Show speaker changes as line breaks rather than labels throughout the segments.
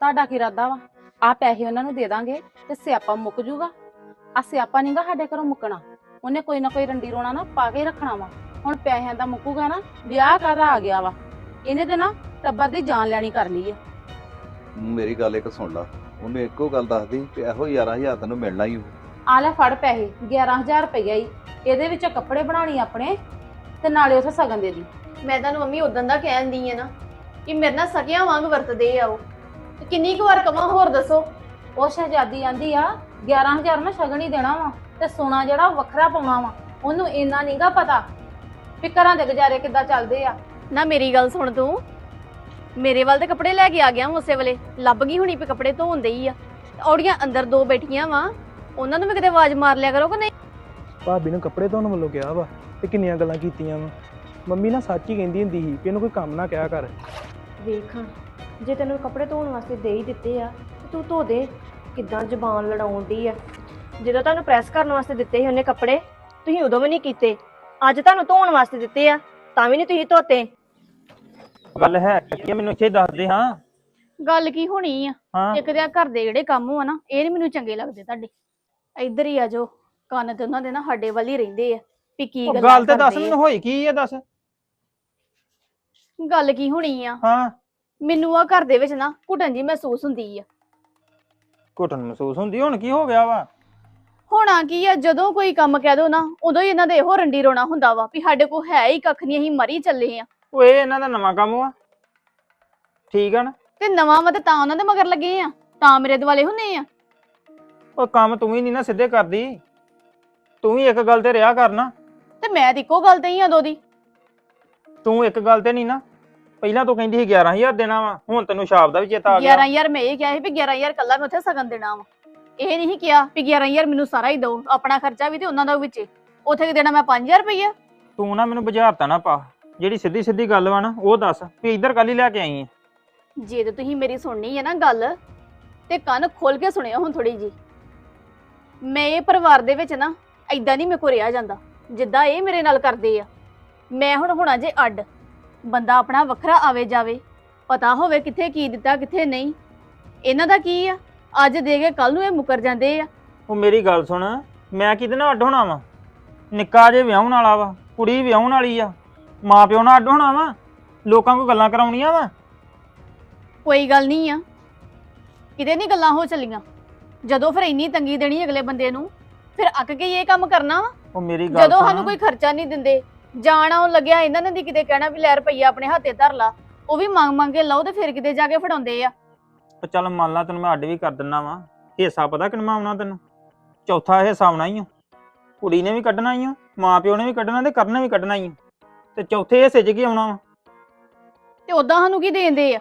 ਤੁਹਾਡਾ ਕੀ ਇਰਾਦਾ ਵਾ? ਆ ਪੈਸੇ ਉਹਨਾਂ ਨੂੰ ਦੇ ਦਾਂਗੇ ਤੇ ਸਿਆਪਾ ਮੁੱਕ ਜੂਗਾ। ਆ ਸਿਆਪਾ ਨਹੀਂਗਾ ਸਾਡੇ ਘਰੋਂ ਮੁੱਕਣਾ। ਉਹਨੇ ਕੋਈ ਨਾ ਕੋਈ ਰੰਡੀ ਰੋਣਾ ਨਾ ਪਾ ਕੇ ਰੱਖਣਾ ਵਾ। ਹੁਣ ਪੈਸਿਆਂ ਦਾ ਮੁੱਕੂਗਾ ਨਾ, ਵਿਆਹ ਕਾਹਦਾ ਆ ਗਿਆ ਵਾ। ਇਹਨੇ ਤੇ ਨਾ ਟੱਬਰ ਦੀ ਜਾਨ ਲੈਣੀ ਕਰ ਲਈ ਆ।
ਮੇਰੀ ਗੱਲ ਇੱਕ ਸੁਣ ਲਾ, ਉਹਨੂੰ ਇੱਕੋ ਗੱਲ ਦੱਸਦੀ ਕਿ ਇਹੋ 11,000 ਤੈਨੂੰ ਮਿਲਣਾ ਹੀ।
ਆ ਲੈ ਫੜ ਪੈਸੇ, 11,000 ਰੁਪਈਆ ਹੀ। ਇਹਦੇ ਵਿੱਚ ਕੱਪੜੇ ਬਣਾਣੀ ਆਪਣੇ ਤੇ ਨਾਲੇ ਉਥੇ ਸਗਨ ਦੇ ਦੀ।
ਮੈਂ ਤੁਹਾਨੂੰ ਮੰਮੀ ਉਦੋਂ ਦਾ ਕਹਿਣ ਦੀ ਆ ਨਾ ਕਿ ਮੇਰੇ ਨਾਲ ਸਕਿਆਂ ਵਾਂਗ ਵਰਤਦੇ ਆ ਉਹ। ਤੇ ਕਿੰਨੀ ਕੁ ਵਾਰ ਕਵਾਂ ਹੋਰ ਦੱਸੋ।
ਉਹ ਸ਼ਹਿਜ਼ਾਦੀ ਆਂਦੀ ਆ 11,000 ਨਾ ਸ਼ਗਨ ਹੀ ਦੇਣਾ ਵਾ ਤੇ ਸੋਨਾ ਜਿਹੜਾ ਉਹ ਵੱਖਰਾ ਪਾਉਣਾ ਵਾ। ਉਹਨੂੰ ਇੰਨਾ ਨਹੀਂਗਾ ਪਤਾ ਵੀ ਘਰਾਂ ਦੇ ਗੁਜ਼ਾਰੇ ਕਿੱਦਾਂ ਚੱਲਦੇ ਆ।
ਨਾ ਮੇਰੀ ਗੱਲ ਸੁਣ, ਤੂੰ ਮੇਰੇ ਵੱਲ ਤੇ ਕੱਪੜੇ ਲੈ ਕੇ ਆ ਗਿਆ ਉਸੇ ਵੇਲੇ। ਲੱਭ ਗਈ ਹੁਣੀ ਵੀ ਕੱਪੜੇ ਧੋਂਦੇ ਹੀ ਆ। ਔੜੀਆਂ ਅੰਦਰ ਦੋ ਬੈਠੀਆਂ ਵਾ, ਉਹਨਾਂ ਨੂੰ ਵੀ ਕਿਤੇ ਆਵਾਜ਼ ਮਾਰ ਲਿਆ ਕਰੋ ਕਿ ਨਹੀਂ।
ਭਾਬੀ ਨੂੰ ਕੱਪੜੇ ਧੋਣ ਵੱਲੋਂ ਕਿਹਾ ਵਾ ਤੇ ਕਿੰਨੀਆਂ ਗੱਲਾਂ ਕੀਤੀਆਂ ਵਾ। ਮੰਮੀ ਨਾ ਸੱਚ ਹੀ ਕਹਿੰਦੀ ਹੁੰਦੀ ਸੀ ਕਿ ਇਹਨੂੰ ਕੋਈ ਕੰਮ ਨਾ ਕਿਹਾ ਕਰ।
ਵੇਖ ਜੇ ਤੈਨੂੰ ਕੱਪੜੇ ਧੋਣ ਵਾਸਤੇ ਦੇ ਹੀ ਦਿੱਤੇ ਆ ਤੇ ਤੂੰ ਧੋ ਦੇ। ਕਿੱਦਾਂ ਜ਼ਬਾਨ ਲੜਾਉਣ ਦੀ ਆ। ਜਦੋਂ ਤੁਹਾਨੂੰ ਪ੍ਰੈਸ ਕਰਨ ਵਾਸਤੇ ਦਿੱਤੇ ਸੀ ਉਹਨੇ ਕੱਪੜੇ, ਤੁਸੀਂ ਉਦੋਂ ਵੀ ਨਹੀਂ ਕੀਤੇ। ਅੱਜ ਤੁਹਾਨੂੰ ਧੋਣ ਵਾਸਤੇ ਦਿੱਤੇ ਆ ਤਾਂ ਵੀ ਨਹੀਂ ਤੁਸੀਂ ਧੋਤੇ।
ਗੱਲ ਹੈ ਕਿ ਮੈਨੂੰ ਇੱਥੇ ਦੱਸ ਦੇ। ਹਾਂ
ਗੱਲ ਕੀ ਹੋਣੀ ਆ?
ਹਾਂ
ਇੱਕ ਦੇ ਘਰ ਦੇ ਜਿਹੜੇ ਕੰਮ ਆ ਨਾ, ਇਹ ਨਹੀਂ ਮੈਨੂੰ ਚੰਗੇ ਲੱਗਦੇ ਤੁਹਾਡੇ। ਇੱਧਰ ਹੀ ਆ ਜੋ ਕੰਨ ਤੇ ਉਹਨਾਂ ਦੇ ਨਾ ਸਾਡੇ ਵੱਲ ਹੀ ਰਹਿੰਦੇ ਆ ਵੀ ਕੀ
ਉਹ
ਗੱਲਾਂ
ਗੱਲ ਤੇ ਦੱਸ
ਕਰਦੇ
ਮੈਨੂੰ, ਹੋਈ ਕੀ ਆ ਦੱਸ।
ਗੱਲ ਕੀ ਹੋਣੀ ਆ?
ਹਾਂ
ਮੈਨੂੰ ਆ ਘਰ ਦੇ ਵਿੱਚ ਨਾ ਘੁਟਨ ਜੀ ਮਹਿਸੂਸ ਹੁੰਦੀ ਆ।
ਘੁਟਨ ਮਹਿਸੂਸ ਹੁੰਦੀ? ਹੁਣ ਕੀ ਹੋ ਗਿਆ ਵਾ?
ਹੋਣਾ ਕੀ ਆ, ਜਦੋਂ ਕੋਈ ਕੰਮ ਕਹਿ ਦੋ ਨਾ ਉਦੋਂ ਹੀ ਇਹਨਾਂ ਦੇ ਇਹੋ ਰੰਡੀ ਰੋਣਾ ਹੁੰਦਾ ਵਾ ਵੀ ਸਾਡੇ ਕੋਲ ਹੈ ਹੀ ਕੱਖ ਨਹੀਂ, ਅਸੀਂ ਮਰੀ ਚੱਲੇ ਆ।
ਉਹ ਇਹ ਇਹਨਾਂ ਦਾ ਨਵਾਂ ਕੰਮ ਵਾ, ਠੀਕ ਆ ਨਾ।
ਤੇ ਨਵਾਂ ਵਾ ਤੇ ਤਾਂ ਉਹਨਾਂ ਦੇ ਮਗਰ ਲੱਗੇ ਆ, ਤਾਂ ਮੇਰੇ ਦੁਆਲੇ ਹੁੰਨੇ ਆ।
ਉਹ ਕੰਮ ਤੂੰ ਵੀ ਨਹੀਂ ਨਾ ਸਿੱਧੇ ਕਰਦੀ, ਤੂੰ ਵੀ ਇੱਕ ਗੱਲ ਤੇ ਰਿਹਾ ਕਰਨਾ।
ਤੇ ਮੈਂ ਤੇ ਇੱਕੋ ਗੱਲ ਤੇ ਹੀ ਆ ਦੋ ਦੀ।
ਤੂੰ ਇੱਕ ਗੱਲ ਤੇ ਨਹੀਂ ਨਾ, ਪਹਿਲਾਂ ਤੂੰ ਕਹਿੰਦੀ ਸੀ 11,000 ਦੇਣਾ ਵਾ, ਹੁਣ ਤੈਨੂੰ ਸ਼ਾਪ ਦਾ ਵੀ ਚੇਤਾ ਆ ਗਿਆ।
11,000 ਮੈਂ ਇਹ ਕਿਹਾ ਸੀ ਵੀ 11,000 ਕੱਲਾ ਮੈਂ ਉੱਥੇ ਸਗਨ ਦੇਣਾ ਵਾ। ਇਹ ਨਹੀਂ ਕਿਹਾ ਵੀ 11,000 ਮੈਨੂੰ ਸਾਰਾ ਹੀ ਦਿਓ, ਆਪਣਾ ਖਰਚਾ ਵੀ ਤੇ ਉਹਨਾਂ ਦਾ ਵਿੱਚ। ਉੱਥੇ ਕਿ ਦੇਣਾ ਮੈਂ 5,000 ਰੁਪਈਆ।
ਤੂੰ ਨਾ ਮੈਨੂੰ ਬੁਝਾਰਤਾ ਨਾ ਪਾ, ਜਿਹੜੀ ਸਿੱਧੀ ਸਿੱਧੀ ਗੱਲ ਵਾ ਨਾ ਉਹ ਦੱਸ ਵੀ ਇੱਧਰ ਕੱਲ ਹੀ ਲੈ ਕੇ ਆਈ ਆ।
ਜੇ ਤੇ ਤੁਸੀਂ ਮੇਰੀ ਸੁਣਨੀ ਹੈ ਨਾ ਗੱਲ, ਤੇ ਕੰਨ ਖੋਲ ਕੇ ਸੁਣਿਓ ਹੁਣ ਥੋੜੀ ਜੀ। ਮੈਂ ਇਹ ਪਰਿਵਾਰ ਦੇ ਵਿੱਚ ਨਾ ਐਦਾਂ ਨਹੀਂ ਮੇਰੇ ਕੋ ਰਿਹਾ ਜਾਂਦਾ ਜਿੱਦਾਂ ਇਹ ਮੇਰੇ ਨਾਲ ਕਰਦੇ ਆ। ਮੈਂ ਹੁਣ ਹੋਣਾ ਜੇ ਅੱਡ, ਬੰਦਾ ਆਪਣਾ ਵੱਖਰਾ ਆਵੇ ਜਾਵੇ, ਪਤਾ ਹੋਵੇ ਕਿੱਥੇ ਕੀ ਦਿੱਤਾ ਕਿੱਥੇ ਨਹੀਂ। ਇਹਨਾਂ ਦਾ ਕੀ ਆ, ਅੱਜ ਦੇ ਕੇ ਕੱਲ ਨੂੰ ਇਹ ਮੁੱਕਰ ਜਾਂਦੇ ਆ।
ਉਹ ਮੇਰੀ ਗੱਲ ਸੁਣ, ਮੈਂ ਕਿਹਦੇ ਨਾਲ ਅੱਡ ਹੋਣਾ ਵਾ? ਨਿੱਕਾ ਜੇ ਵਿਆਹਣ ਵਾਲਾ ਵਾ, ਕੁੜੀ ਵਿਆਹਣ ਵਾਲੀ ਆ, ਮਾਂ ਪਿਓ ਨਾਲ ਅੱਡ ਹੋਣਾ ਵਾ? ਲੋਕਾਂ ਕੋਲ ਗੱਲਾਂ ਕਰਾਉਣੀਆਂ ਵਾ?
ਕੋਈ ਗੱਲ ਨਹੀਂ ਆ, ਕਿਤੇ ਨਹੀਂ ਗੱਲਾਂ ਹੋ ਚੱਲੀਆਂ। ਜਦੋਂ ਫਿਰ ਇੰਨੀ ਤੰਗੀ ਦੇਣੀ ਅਗਲੇ ਬੰਦੇ ਨੂੰ, ਫਿਰ ਅੱਕ ਕੇ ਇਹ ਕੰਮ ਕਰਨਾ ਵਾ।
ਉਹ ਮੇਰੀ ਗੱਲ
ਜਦੋਂ
ਸੁਣ,
ਸਾਨੂੰ ਕੋਈ ਖਰਚਾ ਨਹੀਂ ਦਿੰਦੇ, ਜਾਣ ਆਉਣ ਲੱਗਿਆ ਇਹਨਾਂ ਨੇ ਦੀ ਕਿਤੇ ਕਹਿਣਾ ਵੀ ਲੈ ਰੁਪਈਆ ਆਪਣੇ ਹੱਥੇ ਧਰ ਲਾ, ਉਹ ਵੀ ਮੰਗ ਕੇ ਲਓ ਤੇ ਫਿਰ ਕਿਤੇ ਜਾ ਕੇ ਫੜਾਉਂਦੇ ਆ।
ਉਹ ਚੱਲ ਮੰਨ ਲਾ ਤੈਨੂੰ ਮੈਂ ਅੱਡ ਵੀ ਕਰ ਦਿੰਦਾ ਵਾ, ਹਿੱਸਾ ਪਤਾ ਕਿੰਨਾ ਆਉਣਾ ਤੈਨੂੰ? ਚੌਥਾ ਹਿੱਸਾ ਆਉਣਾ ਹੀ ਆ। ਕੁੜੀ ਨੇ ਵੀ ਕੱਢਣਾ ਹੀ ਆ, ਮਾਂ ਪਿਓ ਨੇ ਵੀ ਕੱਢਣਾ ਤੇ ਕਰਨਾ ਵੀ ਕੱਢਣਾ ਹੀ ਆ, ਤੇ ਚੌਥੇ ਹਿੱਸੇ 'ਚ ਕੀ ਆਉਣਾ ਵਾ?
ਤੇ ਉਦਾਂ ਸਾਨੂੰ ਕੀ ਦੇਂਦੇ ਆ?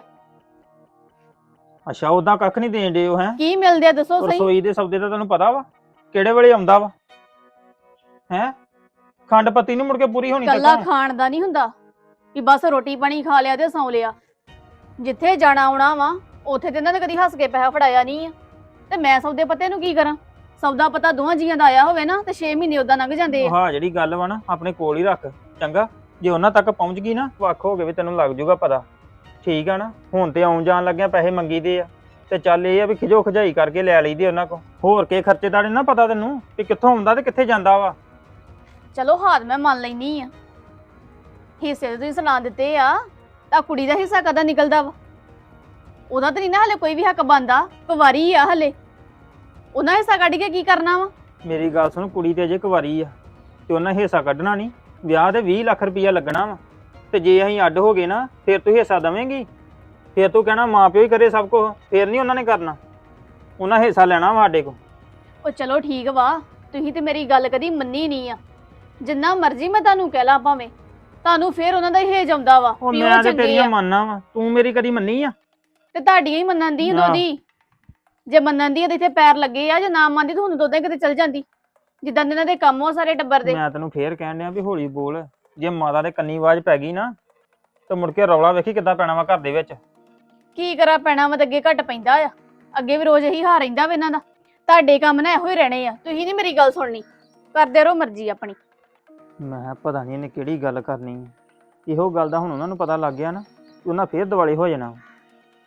ਅੱਛਾ ਉਦਾਂ ਕੱਖ ਨਹੀਂ ਦੇਣ ਦੇ ਉਹ ਹੈ?
ਕੀ ਮਿਲਦੇ ਆ ਦੱਸੋ ਸਹੀ।
ਰਸੋਈ ਦੇ ਸੌਦੇ ਦਾ ਤੈਨੂੰ ਪਤਾ ਵਾ ਕਿਹੜੇ ਵੇਲੇ ਆਉਂਦਾ ਵਾ? ਹੈ ਖੰਡ ਪੱਤੀ ਨੂੰ ਮੁੜ ਕੇ ਪੂਰੀ ਹੋਣੀ
ਕੱਲਾ
ਤੱਕ।
ਖਾਣ ਦਾ ਨਹੀਂ ਹੁੰਦਾ ਵੀ ਬਸ ਰੋਟੀ ਪਾਣੀ ਖਾ ਲਿਆ ਤੇ ਸੌਂ ਲਿਆ। ਜਿੱਥੇ ਜਾਣਾ ਆਉਣਾ ਵਾ ਉੱਥੇ ਤੇ ਇਹਨਾਂ ਨੇ ਕਦੀ ਹੱਸ ਕੇ ਪੈਸਾ ਫੜਾਇਆ ਨਹੀਂ ਆ। ਤੇ ਮੈਂ ਸੌਦੇ ਪੱਤੇ ਨੂੰ ਕੀ ਕਰਾਂ? ਸੌਦਾ ਪਤਾ ਦੋਹਾਂ ਜੀਆਂ ਦਾ ਆਇਆ ਹੋਵੇ ਨਾ ਤੇ 6 ਮਹੀਨੇ ਉਦਾਂ ਲੰਘ ਜਾਂਦੇ ਆ।
ਹਾਂ ਜਿਹੜੀ ਗੱਲ ਵਾ ਨਾ ਆਪਣੇ ਕੋਲ ਹੀ ਰੱਖ ਚੰਗਾ। ਜੇ ਉਹਨਾਂ ਤੱਕ ਪਹੁੰਚ ਗਈ ਨਾ ਵੱਖ ਹੋ ਗਏ ਵੀ ਤੈਨੂੰ ਲੱਗ ਜੂਗਾ ਪਤਾ, ਠੀਕ ਆ ਨਾ। ਹੁਣ ਤੇ ਆਉਣ ਜਾਣ ਲੱਗਿਆ ਪੈਸੇ ਮੰਗੀਦੇ ਆ, ਤੇ ਚੱਲ ਇਹ ਆ ਵੀ ਖਿਜੋ ਖਜਾਈ ਕਰਕੇ ਲੈ ਲਈਦੇ ਉਹਨਾਂ ਕੋ। ਹੋਰ ਕੇ ਖਰਚੇ ਦਾ ਨੀ ਨਾ ਪਤਾ ਤੈਨੂੰ ਵੀ ਕਿੱਥੋਂ ਆਉਂਦਾ ਤੇ ਕਿੱਥੇ ਜਾਂਦਾ ਵਾ।
ਚਲੋ ਹਾਲ ਮੈਂ ਮੰਨ ਲੈਣੀ ਆ, ਹਿੱਸੇ ਤੇ ਤੁਸੀਂ ਸੁਣਾ ਦਿੱਤੇ ਆ, ਤਾਂ ਕੁੜੀ ਦਾ ਹਿੱਸਾ ਕਦਾ ਨਿਕਲਦਾ ਵਾ? ਉਹਦਾ ਤਾਂ ਨਹੀਂ ਨਾ ਹਲੇ ਕੋਈ ਵੀ ਹੱਕ ਬਣਦਾ, ਕੁਵਾਰੀ ਆ ਹਲੇ, ਉਹਨਾਂ ਹਿੱਸਾ ਕੱਢ ਕੇ ਕੀ ਕਰਨਾ ਵਾ?
ਮੇਰੀ ਗੱਲ ਸੁਣ, ਕੁੜੀ ਤੇ ਅਜੇ ਕੁਵਾਰੀ ਆ ਤੇ ਉਹਨਾਂ ਹਿੱਸਾ ਕੱਢਣਾ ਨਹੀਂ। ਵਿਆਹ ਤੇ 20 ਲੱਖ ਰੁਪਈਆ ਲੱਗਣਾ ਵਾ, ਤੇ ਜੇ ਅਸੀਂ ਅੱਡ ਹੋ ਗਏ ਨਾ ਫਿਰ ਤੂੰ ਹਿੱਸਾ ਦੇਵੇਂਗੀ? ਫਿਰ ਤੂੰ ਕਹਿਣਾ ਮਾਂ ਪਿਓ ਹੀ ਕਰੇ ਸਭ ਕੁਝ, ਫਿਰ ਨਹੀਂ ਉਹਨਾਂ ਨੇ ਕਰਨਾ। ਉਹਨਾਂ ਹਿੱਸਾ ਲੈਣਾ ਵਾ ਸਾਡੇ ਕੋਲ।
ਉਹ ਚਲੋ ਠੀਕ ਵਾ, ਤੁਸੀਂ ਤੇ ਮੇਰੀ ਗੱਲ ਕਦੀ ਮੰਨੀ ਨਹੀਂ ਆ। ਜਿੰਨਾ ਮਰਜ਼ੀ ਮੈਂ ਤੁਹਾਨੂੰ ਕਹਿ ਲਾ ਭਾਵੇਂ, ਤੁਹਾਨੂੰ ਫਿਰ ਉਹਨਾਂ ਦਾ ਹੀ ਹੇਜ ਆਉਂਦਾ ਵਾ
ਉਹ
ਵੀ
ਮੈਂ ਤੇ
ਚੰਗੇ
ਤੇਰੀਆਂ
ਆ।
ਮੰਨਣਾ ਵਾ, ਤੂੰ ਮੇਰੀ ਕਦੀ ਮੰਨੀ ਆ?
ਤੇ ਤੁਹਾਡੀਆਂ ਹੀ ਮੰਨਣ ਦੀ
ਨਾ।
ਦੋਦੀ, ਜੇ ਮੰਨਣ ਦੀ ਆ ਤੇ ਇੱਥੇ ਪੈਰ ਲੱਗੇ ਆ, ਜੇ ਨਾ ਮੰਨਦੀ ਤਾਂ ਹੁਣ ਦੋਦੇ ਕਿਤੇ ਚਲ ਜਾਂਦੀ। ਜਿੱਦਾਂ ਇਹਨਾਂ ਦੇ ਕੰਮ ਹੋ ਸਾਰੇ ਟੱਬਰ ਦੇ।
ਮੈਂ ਤੈਨੂੰ ਫੇਰ ਕਹਿਣ ਡਿਆ ਵੀ ਹੌਲੀ ਬੋਲ, ਜੇ ਮਾਤਾ ਦੇ ਕੰਨੀ ਆਵਾਜ਼ ਪੈ ਗਈ ਨਾ ਤੇ ਮੁੜ ਕੇ ਰੌਲਾ ਵੇਖੀ ਕਿੱਦਾਂ ਪੈਣਾ ਵਾ ਘਰ ਦੇ ਵਿੱਚ।
ਕੀ ਕਰਾਂ, ਪੈਣਾ ਵਾ ਤਾਂ ਅੱਗੇ ਘੱਟ ਪੈਂਦਾ ਆ। ਅੱਗੇ ਵੀ ਰੋਜ਼ ਇਹੀ ਹਾਰ ਰਹਿੰਦਾ ਵਾ ਇਹਨਾਂ ਦਾ। ਤੁਹਾਡੇ ਕੰਮ ਨਾ ਇਹੋ ਹੀ ਰਹਿਣੇ ਆ, ਤੁਸੀਂ ਨਹੀਂ ਮੇਰੀ ਗੱਲ ਸੁਣਨੀ, ਕਰਦੇ ਰਹੋ ਮਰਜ਼ੀ ਆਪਣੀ।
ਮੈਂ ਕਿਹਾ ਪਤਾ ਨਹੀਂ ਇਹਨੇ ਕਿਹੜੀ ਗੱਲ ਕਰਨੀ ਹੈ। ਇਹੋ ਗੱਲ ਦਾ ਹੁਣ ਉਹਨਾਂ ਨੂੰ ਪਤਾ ਲੱਗ ਗਿਆ ਨਾ, ਉਹਨਾਂ ਫੇਰ ਦਿਵਾਲੇ ਹੋ ਜਾਣਾ।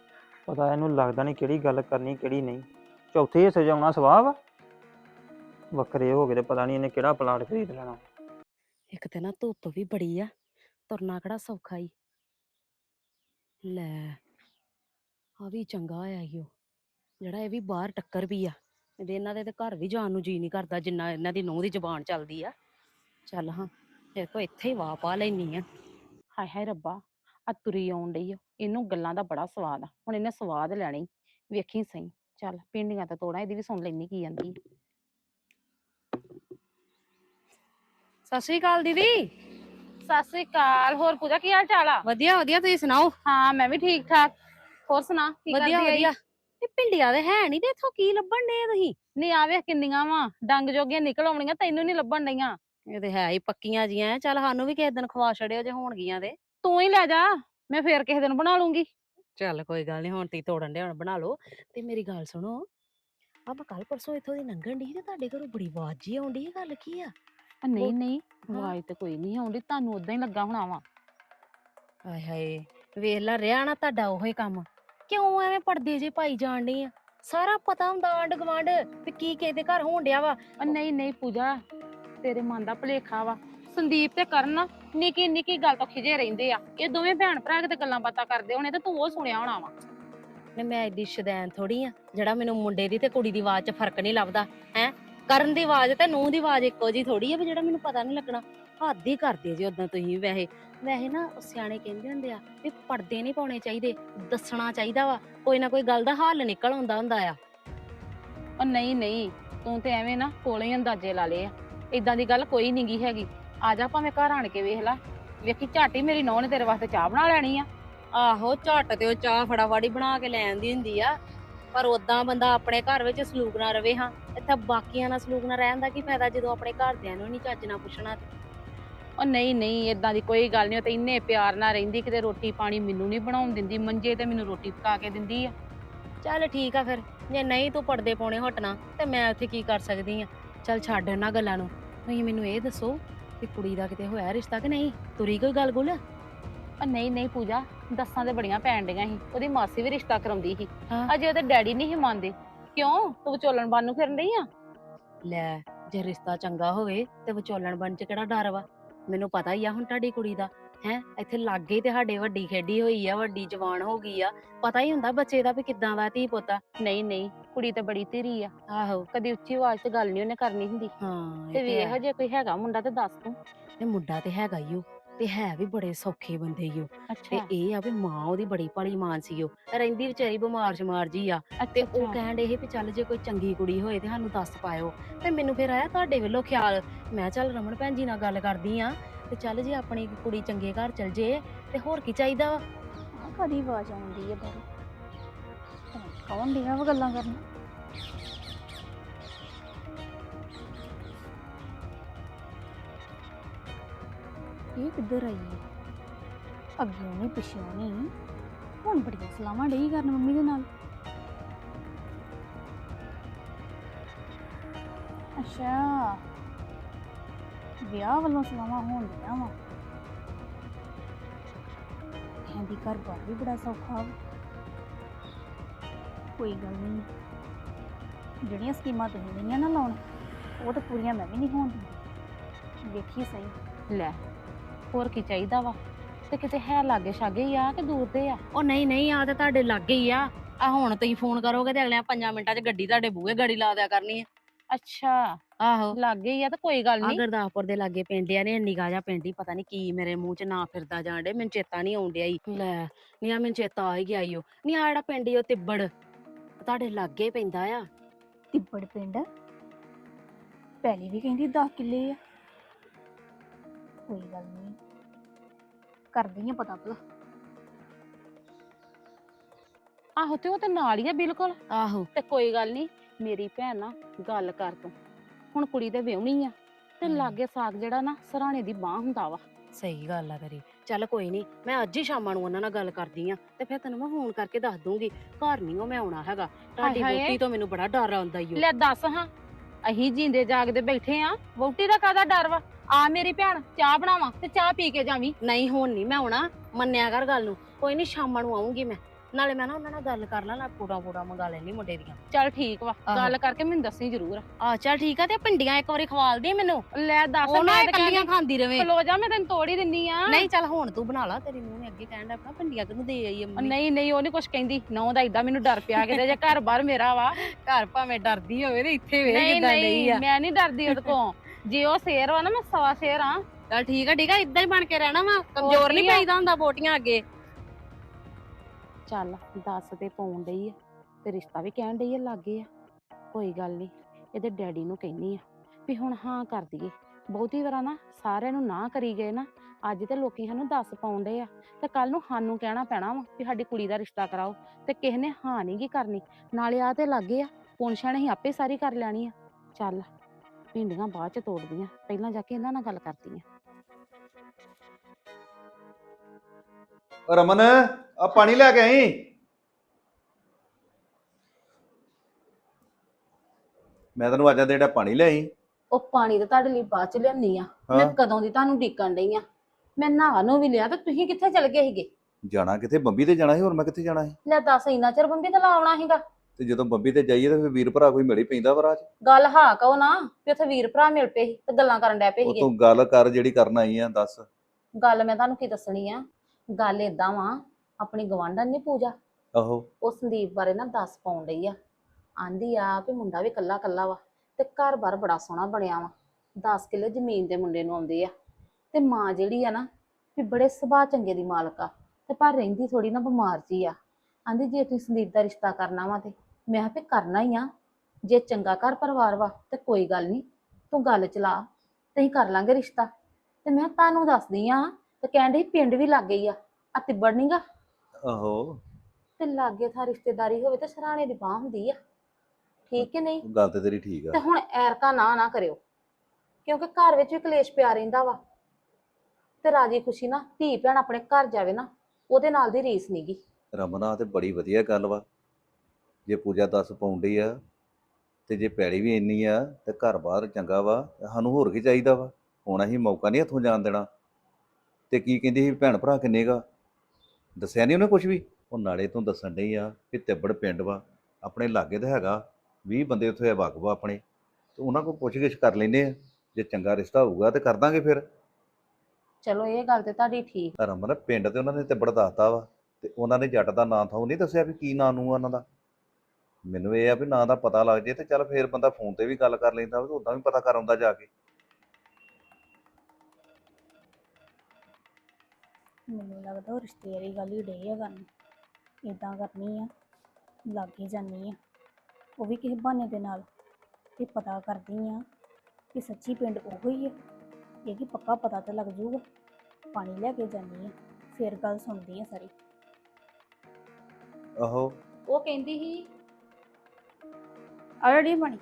ਪਤਾ ਇਹਨੂੰ ਲੱਗਦਾ ਨਹੀਂ ਕਿਹੜੀ ਗੱਲ ਕਰਨੀ ਕਿਹੜੀ ਨਹੀਂ। ਚੌਥੇ ਹਿੱਸੇ ਜਾਉਣਾ ਸਵਾਹ ਵਾ, ਵੱਖਰੇ ਹੋ ਗਏ ਤੇ ਪਤਾ ਨਹੀਂ ਇਹਨੇ ਕਿਹੜਾ ਪਲਾਟ ਖਰੀਦ ਲੈਣਾ।
ਇੱਕ ਤੇ ਨਾ ਧੁੱਪ ਵੀ ਬੜੀ ਆ, ਤੁਰਨਾ ਕਿਹੜਾ ਸੌਖਾ ਈ। ਲੈ ਆ ਵੀ ਚੰਗਾ ਹੋਇਆ ਈ ਓ, ਜਿਹੜਾ ਇਹ ਵੀ ਬਾਹਰ ਟੱਕਰ ਵੀ ਆ। ਇਹਦੇ ਇਹਨਾਂ ਦੇ ਤੇ ਘਰ ਵੀ ਜਾਣ ਨੂੰ ਜੀ ਨਹੀਂ ਕਰਦਾ ਜਿੰਨਾ ਇਹਨਾਂ ਦੀ ਨੂੰਹ ਦੀ ਜ਼ੁਬਾਨ ਚੱਲਦੀ ਆ। ਚੱਲ ਹਾਂ ਇਹ ਕੋ ਇੱਥੇ ਹੀ ਵਾਹ ਪਾ ਲੈਣੀ ਆ।
ਹਾਏ ਹਾਏ ਰੱਬਾ, ਆ ਤੁਰੀ ਆਉਣ ਡਈ ਆ, ਇਹਨੂੰ ਗੱਲਾਂ ਦਾ ਬੜਾ ਸਵਾਦ ਆ। ਹੁਣ ਇਹਨੇ ਸਵਾਦ ਲੈਣੀ, ਵੇਖੀ ਸਹੀ। ਚੱਲ ਪਿੰਡੀਆਂ ਤਾਂ ਤੋੜਾਂ, ਇਹਦੀ ਵੀ ਸੁਣ ਲੈਣੀ ਕੀ ਜਾਂਦੀ।
ਸਤਿ ਸ਼੍ਰੀ ਅਕਾਲ ਦੀਦੀ।
ਸਤਿ ਸ੍ਰੀ ਅਕਾਲ। ਹੋਰ ਪੂਜਾ ਕੀ ਹਾਲ ਚਾਲ ਆ?
ਵਧੀਆ ਵਧੀਆ, ਤੁਸੀਂ ਸੁਣਾਓ?
ਹਾਂ ਮੈਂ ਵੀ ਠੀਕ ਠਾਕ। ਹੋਰ ਸੁਣਾ ਕੀ
ਵਧੀਆ
ਕਰਦੀ
ਵਧੀਆ।
ਆਈ?
ਇਹ ਭਿੰਡੀਆਂ ਦੇ ਹੈ ਨਹੀਂ ਤੇ ਇੱਥੋਂ ਕੀ ਲੱਭਣ ਦੇ ਤੁਸੀਂ?
ਨਹੀਂ ਆ ਵੇਖ ਕਿੰਨੀਆਂ ਵਾ ਡੰਗ ਜੋਗੀਆਂ ਨਿਕਲ ਆਉਣੀਆਂ, ਤੈਨੂੰ ਨਹੀਂ ਲੱਭਣ ਡਈਆਂ।
ਇਹ ਤੇ ਹੈ ਹੀ ਪੱਕੀਆਂ ਜੀਆਂ ਆ। ਚੱਲ ਸਾਨੂੰ ਵੀ ਕਿਸੇ ਦਿਨ ਖਵਾ ਛੜਿਓ ਜੇ ਹੋਣਗੀਆਂ ਤੇ।
ਤੂੰ ਹੀ ਲੈ ਜਾ, ਮੈਂ ਫੇਰ ਕਿਸੇ ਦਿਨ ਬਣਾ ਲੂੰਗੀ।
ਚੱਲ ਕੋਈ ਗੱਲ ਨਹੀਂ, ਹੁਣ ਤੀ ਤੋੜਨ ਦੇ ਹੁਣ ਬਣਾ ਲਓ। ਤੇ ਮੇਰੀ ਗੱਲ ਸੁਣੋ, ਆਪਾਂ ਕੱਲ ਪਰਸੋਂ ਇੱਥੋਂ ਦੀ ਲੰਘਣ ਦੀ ਤੇ ਤੁਹਾਡੇ ਘਰੋਂ ਬੜੀ ਆਵਾਜ਼ ਜੀ ਆਉਂਦੀ ਹੈ, ਗੱਲ ਕੀ ਆ?
ਨਹੀਂ ਨਹੀਂ
ਹਾਂ।
ਆਵਾਜ਼ ਤੇ ਕੋਈ ਨਹੀਂ ਆਉਂਦੀ, ਤੁਹਾਨੂੰ ਉਦਾਂ ਹੀ ਲੱਗਾ ਹੋਣਾ ਵਾ।
ਹਾਏ ਹਾਏ, ਵੇਖ ਲਾ ਰਿਹਾ ਨਾ ਤੁਹਾਡਾ ਉਹੀ ਕੰਮ। ਕਿਉਂ ਐਵੇਂ ਪਰਦੇ ਜੇ ਪਾਈ ਜਾਣ ਡਈ ਆ? ਸਾਰਾ ਪਤਾ ਹੁੰਦਾ ਆਂਢ ਗੁਆਂਢ ਵੀ ਕੀ ਕਿਸੇ ਦੇ ਘਰ ਹੋਣ ਡਿਆ ਵਾ।
ਨਹੀਂ ਨਹੀਂ ਪੂਜਾ, ਤੇਰੇ ਮਨ ਦਾ ਭੁਲੇਖਾ ਵਾ। ਸੰਦੀਪ ਤੇ ਕਰਨ ਨਿੱਕੀ ਨਿੱਕੀ ਗੱਲ ਤੋਂ ਖਿਜੇ ਰਹਿੰਦੇ ਆ। ਇਹ ਦੋਵੇਂ ਭੈਣ ਭਰਾ ਕਿਤੇ ਗੱਲਾਂ ਬਾਤਾਂ ਕਰਦੇ ਹੋਣੇ ਤੇ ਤੂੰ ਉਹ ਸੁਣਿਆ ਹੋਣਾ ਵਾ।
ਨੇ ਮੈਂ ਐਡੀ ਸ਼ਦੈਨ ਥੋੜੀ ਆ ਜਿਹੜਾ ਮੈਨੂੰ ਮੁੰਡੇ ਦੀ ਤੇ ਕੁੜੀ ਦੀ ਆਵਾਜ਼ 'ਚ ਫਰਕ ਨਹੀਂ ਲੱਭਦਾ ਹੈ। ਕਰਨ ਦੀ ਆਵਾਜ਼ ਤੇ ਨੂੰਹ ਦੀ ਆਵਾਜ਼ ਇੱਕੋ ਜੀ ਥੋੜੀ ਆ ਵੀ ਜਿਹੜਾ ਮੈਨੂੰ ਪਤਾ ਨਹੀਂ ਲੱਗਣਾ। ਹੱਦ ਹੀ ਕਰਦੇ ਜੀ ਉਦਾਂ ਤੁਸੀਂ। ਵੈਸੇ ਵੈਸੇ ਨਾ ਸਿਆਣੇ ਕਹਿੰਦੇ ਹੁੰਦੇ ਆ ਵੀ ਪਰਦੇ ਨਹੀਂ ਪਾਉਣੇ ਚਾਹੀਦੇ, ਦੱਸਣਾ ਚਾਹੀਦਾ ਵਾ। ਕੋਈ ਨਾ ਕੋਈ ਗੱਲ ਦਾ ਹੱਲ ਨਿਕਲ ਆਉਂਦਾ ਹੁੰਦਾ ਆ।
ਉਹ ਨਹੀਂ ਨਹੀਂ, ਤੂੰ ਤੇ ਐਵੇਂ ਨਾ ਕੋਲੇ ਹੀ ਅੰਦਾਜ਼ੇ ਲਾ ਲਏ ਆ। ਇਦਾਂ ਦੀ ਗੱਲ ਕੋਈ ਨੀ ਗੀ ਹੈਗੀ। ਆ ਜਾ ਭਾਵੇਂ ਘਰ ਆਣ ਕੇ ਵੇਖ ਲੈ, ਵੇਖੀ ਝਾਟੀ ਮੇਰੀ ਨੂੰਹ ਨੇ ਤੇਰੇ ਵਾਸਤੇ ਚਾਹ ਬਣਾ ਲੈਣੀ ਆ।
ਆਹੋ ਝੱਟ ਤੇ ਉਹ ਚਾਹ ਫਟਾਫਟ ਬਣਾ ਕੇ ਲੈ ਆਂਦੀ ਹੁੰਦੀ ਆ। ਪਰ ਉਦਾਂ ਬੰਦਾ ਆਪਣੇ ਘਰ ਵਿੱਚ ਸਲੂਕ ਨਾ ਰਵੇ। ਹਾਂ ਇੱਥੇ ਬਾਕੀਆਂ ਨਾਲ ਸਲੂਕ ਨਾ ਰਹਿਣ ਦਾ ਕੀ ਫਾਇਦਾ ਜਦੋਂ ਆਪਣੇ ਘਰਦਿਆਂ ਨੂੰ ਨਹੀਂ ਚੱਜ ਨਾਲ ਪੁੱਛਣਾ ਤੇ।
ਉਹ ਨਹੀਂ ਨਹੀਂ, ਇਦਾਂ ਦੀ ਕੋਈ ਗੱਲ ਨਹੀਂ। ਉਹ ਤੇ ਇੰਨੇ ਪਿਆਰ ਨਾਲ ਰਹਿੰਦੀ, ਕਿਤੇ ਰੋਟੀ ਪਾਣੀ ਮੈਨੂੰ ਨਹੀਂ ਬਣਾਉਣ ਦਿੰਦੀ, ਮੰਜੇ ਤੇ ਮੈਨੂੰ ਰੋਟੀ ਪਕਾ ਕੇ ਦਿੰਦੀ ਆ।
ਚੱਲ ਠੀਕ ਆ ਫਿਰ, ਜੇ ਨਹੀਂ ਤੂੰ ਪਰਦੇ ਪਾਉਣੇ ਹਟਣਾ ਤੇ ਮੈਂ ਉੱਥੇ ਕੀ ਕਰ ਸਕਦੀ ਆ। ਚੱਲ ਛੱਡ ਇਹਨਾਂ ਗੱਲਾਂ ਨੂੰ, ਤੁਸੀਂ ਮੈਨੂੰ ਇਹ ਦੱਸੋ ਕਿ ਕੁੜੀ ਦਾ ਕਿਤੇ ਹੋਇਆ ਰਿਸ਼ਤਾ ਕਿ ਨਹੀਂ? ਤੁਰੀ ਕੋਈ ਗੱਲ ਗੁੱਲ?
ਉਹ ਨਹੀਂ ਨਹੀਂ ਪੂਜਾ, ਦੱਸਾਂ ਤੇ ਬੜੀਆਂ ਪੈਣ ਡੀਆਂ ਸੀ। ਉਹਦੀ ਮਾਸੀ ਵੀ ਰਿਸ਼ਤਾ ਕਰਾਉਂਦੀ ਸੀ,
ਹਾਂ।
ਅਜੇ ਉਹਦੇ ਡੈਡੀ ਨਹੀਂ ਸੀ ਮੰਨਦੇ। ਕਿਉਂ, ਤੂੰ ਵਿਚੋਲਣ ਬਣ ਨੂੰ ਫਿਰਨ ਡਈ ਆ?
ਲੈ ਜੇ ਰਿਸ਼ਤਾ ਚੰਗਾ ਹੋਵੇ ਤੇ ਵਿਚੋਲਣ ਬਣ ਚ ਕਿਹੜਾ ਡਰ ਵਾ? ਮੈਨੂੰ ਪਤਾ ਹੀ ਆ ਹੁਣ ਤੁਹਾਡੀ ਕੁੜੀ ਦਾ ਹੈ। ਇੱਥੇ ਲਾਗੇ ਹੀ ਤੇ ਸਾਡੇ ਵੱਡੀ ਖੇਡੀ ਹੋਈ ਆ, ਵੱਡੀ ਜਵਾਨ ਹੋ ਗਈ ਆ। ਪਤਾ ਹੀ ਹੁੰਦਾ ਬੱਚੇ ਦਾ ਵੀ ਕਿੱਦਾਂ ਦਾ ਧੀ ਪੁੱਤ।
ਨਹੀਂ ਨਹੀਂ, ਕੁੜੀ ਤੇ ਬੜੀ ਧੀਰੀ ਆ।
ਆਹੋ
ਕਦੀ ਉੱਚੀ ਆਵਾਜ਼ ਤੇ ਗੱਲ ਨਹੀਂ ਉਹਨੇ ਕਰਨੀ ਹੁੰਦੀ।
ਹਾਂ
ਤੇ
ਇਹ ਤੇ
ਵੇਖ
ਹੈ।
ਜੇ ਕੋਈ ਹੈਗਾ ਮੁੰਡਾ ਤੇ ਦੱਸ ਤੂੰ।
ਇਹ ਮੁੰਡਾ ਤੇ ਹੈਗਾ ਹੀ ਉਹ, ਤੇ ਹੈ ਵੀ ਬੜੇ ਸੌਖੇ ਬੰਦੇ ਹੀ ਉਹ। ਤੇ
ਅੱਛਾ
ਇਹ ਆ ਵੀ ਮਾਂ ਉਹਦੀ ਬੜੀ ਭਲੀ ਮਾਨ ਸੀ। ਉਹ ਰਹਿੰਦੀ ਵਿਚਾਰੀ ਬਿਮਾਰ ਸ਼ਮਾਰ ਜੀ ਆ। ਤੇ ਉਹ ਕਹਿਣ ਡੇ ਵੀ ਚੱਲ ਜੇ ਕੋਈ ਚੰਗੀ ਕੁੜੀ ਹੋਏ ਤੇ ਸਾਨੂੰ ਦੱਸ ਪਾਇਓ। ਤੇ ਮੈਨੂੰ ਫਿਰ ਆਇਆ ਤੁਹਾਡੇ ਵੱਲੋਂ ਖਿਆਲ, ਮੈਂ ਚੱਲ ਰਮਨ ਭੈਣ ਜੀ ਨਾਲ ਗੱਲ ਕਰਦੀ ਆ ਤੇ ਚੱਲ ਜੇ ਆਪਣੀ ਕੁੜੀ ਚੰਗੇ ਘਰ ਚਲ ਜੇ ਤੇ ਹੋਰ ਕੀ ਚਾਹੀਦਾ ਵਾ।
ਕਦੀ ਆਵਾਜ਼ ਆਉਂਦੀ ਹੈ ਬਾਹਰੋਂ, ਕੌਣ ਦੀਆਂ ਵਾ ਗੱਲਾਂ ਕਰਨ? ਇਹ ਕਿੱਧਰ ਆਈ ਹੈ? ਅੱਗੇ ਨਹੀਂ ਪਿੱਛੇ ਨਹੀਂ, ਹੁਣ ਬੜੀਆਂ ਸਲਾਹਾਂ ਡਈ ਕਰਨ ਮੰਮੀ ਦੇ ਨਾਲ। ਅੱਛਾ, ਵਿਆਹ ਵੱਲੋਂ ਸਲਾਹਾਂ ਹੋਣ ਡੀਆਂ ਵਾ। ਕਹਿੰਦੀ ਘਰ ਬਾਰ ਵੀ ਬੜਾ ਸੌਖਾ ਵਾ। ਕੋਈ ਗੱਲ ਨਹੀਂ, ਜਿਹੜੀਆਂ ਸਕੀਮਾਂ ਤੁਸੀਂ ਨਹੀਂ ਨਾ ਲਾਉਣ, ਉਹ ਤਾਂ ਪੂਰੀਆਂ ਮੈਂ ਵੀ ਨਹੀਂ ਹੋਣ ਦਿੰਦੀ। ਵੇਖੀ ਸਹੀ।
ਲੈ ਹੋਰ ਕੀ ਚਾਹੀਦਾ ਵਾ? ਤੇ ਕਿਤੇ ਹੈ ਲਾਗੇ ਛਾਗੇ ਹੀ ਆ ਕਿ ਦੂਰ ਦੇ ਆ?
ਉਹ ਨਹੀਂ ਨਹੀਂ, ਆ ਤੇ ਤੁਹਾਡੇ ਲਾਗੇ ਹੀ ਆ। ਆ ਹੁਣ ਤੁਸੀਂ ਫੋਨ ਕਰੋਗੇ ਤੇ ਅਗਲੇ 5 ਮਿੰਟਾਂ 'ਚ ਗੱਡੀ ਤੁਹਾਡੇ ਬੂਹੇ ਗਾੜੀ ਲਾ ਦਿਆ ਕਰਨੀ ਆ।
ਅੱਛਾ
ਆਹੋ
ਲਾਗੇ ਹੀ ਆ ਤਾਂ ਕੋਈ ਗੱਲ
ਆ
ਨਹੀਂ।
ਗੁਰਦਾਸਪੁਰ ਦੇ ਲਾਗੇ ਪਿੰਡ ਆ ਨੇ, ਨਿੱਕਾ ਜਿਹਾ ਪਿੰਡ ਹੀ। ਪਤਾ ਨਹੀਂ ਕੀ ਮੇਰੇ ਮੂੰਹ 'ਚ ਨਾ ਫਿਰਦਾ ਜਾਣ ਡੇ, ਮੈਨੂੰ ਚੇਤਾ ਨਹੀਂ ਆਉਣ ਡਿਆ ਈ। ਲੈ ਨਹੀਂ ਆ ਮੈਨੂੰ ਚੇਤਾ ਆ ਹੀ ਗਿਆ ਈ। ਉਹ ਨਹੀਂ ਆ ਜਿਹੜਾ ਪਿੰਡ ਈ ਉਹ ਤਿੱਬੜ ਤੁਹਾਡੇ ਲਾਗੇ ਪੈਂਦਾ ਆ।
ਤਿੱਬੜ ਪਿੰਡ ਪਹਿਲੀ ਵੀ ਕਹਿੰਦੀ 10 ਕਿੱਲੇ ਆ। ਕੋਈ ਗੱਲ ਨਹੀਂ, ਕਰਦੀ ਆ ਪਤਾ ਭਲਾ।
ਆਹੋ ਤੇ ਉਹ ਤੇ ਨਾਲ ਹੀ ਆ ਬਿਲਕੁਲ।
ਆਹੋ
ਤੇ ਕੋਈ ਗੱਲ ਨਹੀਂ, ਮੇਰੀ ਭੈਣ ਨਾਲ ਗੱਲ ਕਰ ਤੂੰ। ਹੁਣ ਕੁੜੀ ਤੇ ਵਿਆਹਣੀ ਆ ਤੇ ਲਾਗੇ ਸਾਗ ਜਿਹੜਾ ਨਾ ਸਰਾਣੇ ਦੀ ਬਾਹ ਹੁੰਦਾ ਵਾ।
ਸਹੀ ਗੱਲ ਆ ਤੇਰੀ। ਚੱਲ ਕੋਈ ਨਹੀਂ, ਮੈਂ ਅੱਜ ਹੀ ਸ਼ਾਮਾਂ ਨੂੰ ਉਹਨਾਂ ਨਾਲ ਗੱਲ ਕਰਦੀ ਆ ਤੇ ਫਿਰ ਤੈਨੂੰ ਮੈਂ ਫੋਨ ਕਰਕੇ ਦੱਸ ਦੂੰਗੀ। ਘਰ ਨਹੀਂ ਉਹ ਮੈਂ ਆਉਣਾ ਹੈਗਾ। ਤੁਹਾਡੀ
ਹਾਏ ਹਾਏ।
ਵੋਟੀ ਤੋਂ ਮੈਨੂੰ ਬੜਾ ਡਰ ਆਉਂਦਾ ਈ ਓ।
ਲੈ ਦੱਸ ਹਾਂ, ਅਹੀਂ ਜਿੰਦੇ ਜਾਗਦੇ ਬੈਠੇ ਆ, ਵਹੁਟੀ ਦਾ ਕਾਹਦਾ ਡਰ ਵਾ? ਆ ਮੇਰੀ ਭੈਣ ਚਾਹ ਬਣਾਵਾਂ ਤੇ ਚਾਹ ਪੀ ਕੇ ਜਾਵੀਂ।
ਨਹੀਂ ਹੁਣ ਨਹੀਂ ਮੈਂ ਆਉਣਾ, ਮੰਨਿਆ ਕਰ ਗੱਲ ਨੂੰ। ਕੋਈ ਨਹੀਂ ਸ਼ਾਮਾਂ ਨੂੰ ਆਉਂਗੀ ਮੈਂ, ਨਾਲੇ ਮੈਂ ਨਾ ਉਹਨਾਂ ਨਾਲ ਗੱਲ ਕਰ ਲਾਂ, ਨਾ ਪੂੜਾ ਮੰਗਾ ਲੈਣੀ ਮੁੰਡੇ ਦੀਆਂ।
ਚੱਲ ਠੀਕ ਵਾ,
ਆਹੋ।
ਗੱਲ ਕਰਕੇ ਮੈਨੂੰ ਦੱਸੀ ਜ਼ਰੂਰ।
ਆ ਚੱਲ ਠੀਕ ਆ, ਤੇ ਭਿੰਡੀਆਂ ਇੱਕ ਵਾਰੀ ਖਵਾਲ ਦੇ ਮੈਨੂੰ।
ਲੈ ਦੱਸ,
ਉਹ ਨਾ
ਮੈਂ ਤਾਂ
ਕੱਲੀਆਂ
ਕਹਿੰਦੀ
ਖਾਂਦੀ ਰਵੇ।
ਖਲੋ ਜਾ, ਮੈਂ ਤੈਨੂੰ ਤੋੜ ਹੀ ਦਿੰਨੀ ਆ।
ਨਹੀਂ ਚੱਲ ਹੁਣ ਤੂੰ ਬਣਾ ਲਾ, ਤੇਰੀ ਨੂੰਹ ਨੇ ਅੱਗੇ ਕਹਿਣ ਦਾ ਭਿੰਡੀਆਂ ਕਿਹਨੂੰ ਦੇ ਆਈ ਆ ਮੰਮੀ।
ਨਹੀਂ ਨਹੀਂ, ਉਹ ਨੀ ਕੁਛ ਕਹਿੰਦੀ, ਨੌ ਦਾ ਇਦਾਂ ਮੈਨੂੰ ਡਰ ਪਿਆ ਕਿਤੇ ਜੇ ਘਰ ਬਾਰ ਮੇਰਾ ਵਾ।
ਘਰ ਭਾਵੇਂ ਡਰਦੀ ਹੋਵੇ ਤੇ ਇੱਥੇ ਵੇਖ
ਨਹੀਂ
ਕਿੱਦਾਂ ਲਈ
ਨਹੀਂ,
ਆ।
ਮੈਂ ਨਹੀਂ ਡਰਦੀ ਉਹਦੇ ਕੋਲ। ਜੇ ਉਹ ਸ਼ੇਰ ਵਾ ਨਾ, ਮੈਂ ਸਵਾ ਸ਼ੇਰ ਆ।
ਚੱਲ ਠੀਕ ਆ ਇਦਾਂ ਹੀ ਬਣ ਕੇ ਰਹਿਣਾ ਵਾ, ਕਮਜ਼ੋਰ ਨਹੀਂ
ਕੀ ਆ?
ਪਈਦਾ ਹੁੰਦਾ ਬੋਟੀਆਂ ਅੱਗੇ।
ਚੱਲ ਦੱਸ ਤੇ ਪਾਉਣ ਡਈ ਆ, ਤੇ ਰਿਸ਼ਤਾ ਵੀ ਕਹਿਣ ਡਈ ਆ ਲਾਗੇ ਆ। ਕੋਈ ਗੱਲ ਨਹੀਂ, ਇਹਦੇ ਡੈਡੀ ਨੂੰ ਕਹਿੰਨੀ ਆ ਵੀ ਹੁਣ ਹਾਂ ਕਰ ਦਈਏ। ਬਹੁਤੀ ਵਾਰਾ ਨਾ ਸਾਰਿਆਂ ਨੂੰ ਨਾ ਕਰੀ ਗਏ ਨਾ, ਅੱਜ ਤੇ ਲੋਕੀ ਸਾਨੂੰ ਦੱਸ ਪਾਉਣ ਡਏ ਆ, ਤੇ ਕੱਲ ਨੂੰ ਸਾਨੂੰ ਕਹਿਣਾ ਪੈਣਾ ਵਾ ਵੀ ਸਾਡੀ ਕੁੜੀ ਦਾ ਰਿਸ਼ਤਾ ਕਰਾਓ, ਤੇ ਕਿਸੇ ਨੇ ਹਾਂ ਨਹੀਂ ਗੀ ਕਰਨੀ। ਨਾਲੇ ਆ ਤੇ ਲਾਗੇ ਆ, ਪੁੰਛਣ ਅਸੀਂ ਆਪੇ ਸਾਰੀ ਕਰ ਲੈਣੀ ਆ। ਚੱਲ ਭਿੰਡੀਆਂ ਬਾਅਦ ਚ ਤੋੜਦੀਆਂ, ਪਹਿਲਾਂ ਜਾ ਕੇ ਇਹਨਾਂ ਨਾਲ ਗੱਲ ਕਰਦੀ ਆ।
ਰਮਨ, ਆ ਪਾਣੀ ਲੈ ਕੇ ਆਈ। ਮੈਂ ਤੈਨੂੰ ਅੱਜ ਜਿਹੜਾ ਪਾਣੀ ਲਿਆਈ।
ਉਹ ਪਾਣੀ ਤਾਂ ਤੁਹਾਡੇ ਲਈ ਬਾਅਦ ਚ ਲਿਆਉਣੀ ਆ, ਮੈਂ
ਹਾਂ।
ਕਦੋਂ ਦੀ ਤੁਹਾਨੂੰ ਡੀਕਣ ਡਈ ਆ। ਮੈਂ ਨਹਾ ਨੂੰ ਵੀ ਲਿਆ, ਤੇ ਤੁਸੀਂ ਕਿੱਥੇ ਚਲ ਗਏ ਸੀਗੇ?
ਜਾਣਾ ਕਿੱਥੇ, ਬੰਬੀ ਤੇ ਜਾਣਾ ਸੀ, ਹੋਰ ਮੈਂ ਕਿੱਥੇ ਜਾਣਾ ਸੀ।
ਲੈ ਦੱਸ, ਇੰਨਾ ਚਿਰ ਬੰਬੀ ਤੇ ਲਾਉਣਾ ਸੀਗਾ।
ਤੇ ਜਦੋਂ ਬੰਬੀ ਤੇ ਜਾਈਏ ਤਾਂ ਫਿਰ ਵੀਰ ਭਰਾ ਕੋਈ ਮਿਲ ਹੀ ਪੈਂਦਾ ਵਾ ਰਾਹ 'ਚ।
ਗੱਲ ਹਾਂ ਕਹੋ ਨਾ ਵੀ ਉੱਥੇ ਵੀਰ ਭਰਾ ਮਿਲ ਪਏ ਸੀ ਤੇ ਗੱਲਾਂ ਕਰਨ ਡੈ ਪਏ
ਉਹ
ਸੀਗੇ।
ਤੂੰ ਗੱਲ ਕਰ ਜਿਹੜੀ ਕਰਨ ਆਈ ਆ, ਦੱਸ।
ਗੱਲ ਮੈਂ ਤੁਹਾਨੂੰ ਕੀ ਦੱਸਣੀ ਆ, ਗੱਲ ਏਦਾਂ ਵਾ, ਆਪਣੀ ਗਵਾਂਢਣ ਨੀ ਪੂਜਾ,
ਆਹੋ।
ਉਹ ਸੰਦੀਪ ਬਾਰੇ ਨਾ ਦੱਸ ਪਾਉਣ ਡਈ ਆ। ਆਂਦੀ ਆ ਵੀ ਮੁੰਡਾ ਵੀ ਕੱਲਾ ਕੱਲਾ ਵਾ, ਤੇ ਘਰ-ਬਾਰ ਬੜਾ ਸੋਹਣਾ ਬਣਿਆ ਵਾ। 10 ਕਿੱਲੇ ਜ਼ਮੀਨ ਦੇ ਮੁੰਡੇ ਨੂੰ ਆਉਂਦੇ ਆ, ਤੇ ਮਾਂ ਜਿਹੜੀ ਆ ਨਾ ਵੀ ਬੜੇ ਸੁਭਾਅ ਚੰਗੇ ਦੀ ਮਾਲਕ ਆ, ਤੇ ਪਰ ਰਹਿੰਦੀ ਥੋੜੀ ਨਾ ਬਿਮਾਰ ਜੀ ਆ। ਆਂਦੀ ਜੇ ਤੁਸੀਂ ਸੰਦੀਪ ਦਾ ਰਿਸ਼ਤਾ ਕਰਨਾ ਵਾ ਤੇ ਮੈਂ ਕਿਹਾ ਵੀ ਕਰਨਾ ਹੀ ਆ, ਜੇ ਚੰਗਾ ਘਰ ਪਰਿਵਾਰ ਵਾ ਤੇ ਕੋਈ ਗੱਲ ਨਹੀਂ, ਤੂੰ ਗੱਲ ਚਲਾ ਤੇ ਅਸੀਂ ਕਰ ਲਾਂਗੇ ਰਿਸ਼ਤਾ। ਤੇ ਮੈਂ ਤੁਹਾਨੂੰ ਦੱਸਦੀ ਆ, ਤੇ ਕਹਿਣ ਡਈ ਪਿੰਡ ਵੀ ਲੱਗ ਗਈ ਆ ਤਿੱਬੜ ਨੀ ਗਾ,
ਆਹੋ,
ਤੇ ਲਾਗੇ ਥਾਂ ਰਿਸ਼ਤੇਦਾਰੀ ਹੋਵੇ ਤੇ ਸਰਾਣੇ ਦੀ ਬਾਹ ਹੁੰਦੀ ਆ, ਠੀਕ ਕਿ ਨਹੀਂ?
ਗੱਲ ਤੇ ਤੇਰੀ ਠੀਕ
ਤੇ
ਆ।
ਹੁਣ ਐਰਕਾ ਨਾ ਕਰਿਓ, ਕਿਉਂਕਿ ਘਰ ਵਿੱਚ ਵੀ ਕਲੇਸ਼ ਪਿਆ ਰਹਿੰਦਾ ਵਾ, ਤੇ ਰਾਜੀ ਖੁਸ਼ੀ ਨਾ ਧੀ ਭੈਣ ਆਪਣੇ ਘਰ ਜਾਵੇ ਨਾ, ਉਹਦੇ ਨਾਲ ਦੀ ਰੀਸ ਨੀਗੀ।
ਰਮਨ, ਆ ਤੇ ਬੜੀ ਵਧੀਆ ਗੱਲ ਵਾ। ਜੇ ਪੂਜਾ ਦੱਸ ਪਾਉਂਦੀ ਆ, ਤੇ ਜੇ ਪੈੜੀ ਵੀ ਇੰਨੀ ਆ, ਤੇ ਘਰ-ਬਾਰ ਚੰਗਾ ਵਾ, ਤੇ ਸਾਨੂੰ ਹੋਰ ਕੀ ਚਾਹੀਦਾ ਵਾ। ਹੁਣ ਅਸੀਂ ਮੌਕਾ ਨਹੀਂ ਹੱਥੋਂ ਜਾਣ ਦੇਣਾ। ਤੇ ਕੀ ਕਹਿੰਦੀ ਸੀ, ਭੈਣ ਭਰਾ ਕਿੰਨੇ ਗਾ ਦੱਸਿਆ ਨਹੀਂ ਉਹਨੇ ਕੁਝ ਵੀ? ਉਹ ਨਾਲੇ ਤੂੰ ਦੱਸਣ ਡਈ ਆ ਕਿ ਤਿੱਬੜ ਪਿੰਡ ਵਾ, ਆਪਣੇ ਲਾਗੇ ਤਾਂ ਹੈਗਾ, 20 ਬੰਦੇ ਉੱਥੇ ਵਗ ਵਾ ਆਪਣੇ, ਤੇ ਉਹਨਾਂ ਕੋਲ ਪੁੱਛ-ਗਿੱਛ ਕਰ ਲੈਂਦੇ ਆ। ਜੇ ਚੰਗਾ ਰਿਸ਼ਤਾ ਹੋਊਗਾ ਤੇ ਕਰ ਦਾਂਗੇ ਫਿਰ।
ਚਲੋ ਇਹ ਗੱਲ ਤੇ ਤੁਹਾਡੀ ਠੀਕ।
ਰਮਨ, ਪਿੰਡ ਤੇ ਉਹਨਾਂ ਨੇ ਤਿੱਬੜ ਦੱਸਤਾ ਵਾ, ਤੇ ਉਹਨਾਂ ਨੇ ਜੱਟ ਦਾ ਨਾਂ ਥਾਉ ਨਹੀਂ ਦੱਸਿਆ ਵੀ ਕੀ ਨਾਂ ਨੂੰ ਆ ਉਹਨਾਂ ਦਾ। ਮੈਨੂੰ ਇਹ ਆ ਵੀ ਨਾਂ ਦਾ ਪਤਾ ਲੱਗ ਜੇ ਤੇ ਚੱਲ ਫੇਰ ਬੰਦਾ ਫੋਨ ਤੇ ਵੀ ਗੱਲ ਕਰ ਲੈਂਦਾ, ਉਦਾਂ ਵੀ ਪਤਾ ਕਰ ਆਉਂਦਾ ਜਾ ਕੇ।
ਮੈਨੂੰ ਲੱਗਦਾ ਉਹ ਰਿਸ਼ਤੇ ਵਾਲੀ ਗੱਲ ਹੀ ਡੇ ਆ ਕਰਨੀ। ਇੱਦਾਂ ਕਰਨੀ ਆ, ਲੱਗ ਹੀ ਜਾਨੀ ਆ ਉਹ ਵੀ ਕਿਸੇ ਬਹਾਨੇ ਦੇ ਨਾਲ, ਤੇ ਪਤਾ ਕਰਦੀ ਆ ਕਿ ਸੱਚੀ ਪਿੰਡ ਉਹੋ ਹੀ ਆ, ਇਹ ਕਿ ਪੱਕਾ ਪਤਾ ਤਾਂ ਲੱਗ ਜੂਗਾ। ਪਾਣੀ ਲੈ ਕੇ ਜਾਨੀ ਆ, ਫਿਰ ਗੱਲ ਸੁਣਦੀ ਆ ਸਾਰੀ।
ਆਹੋ,
ਉਹ ਕਹਿੰਦੀ ਸੀ
ਆਲਰੇਡੀ ਪਾਣੀ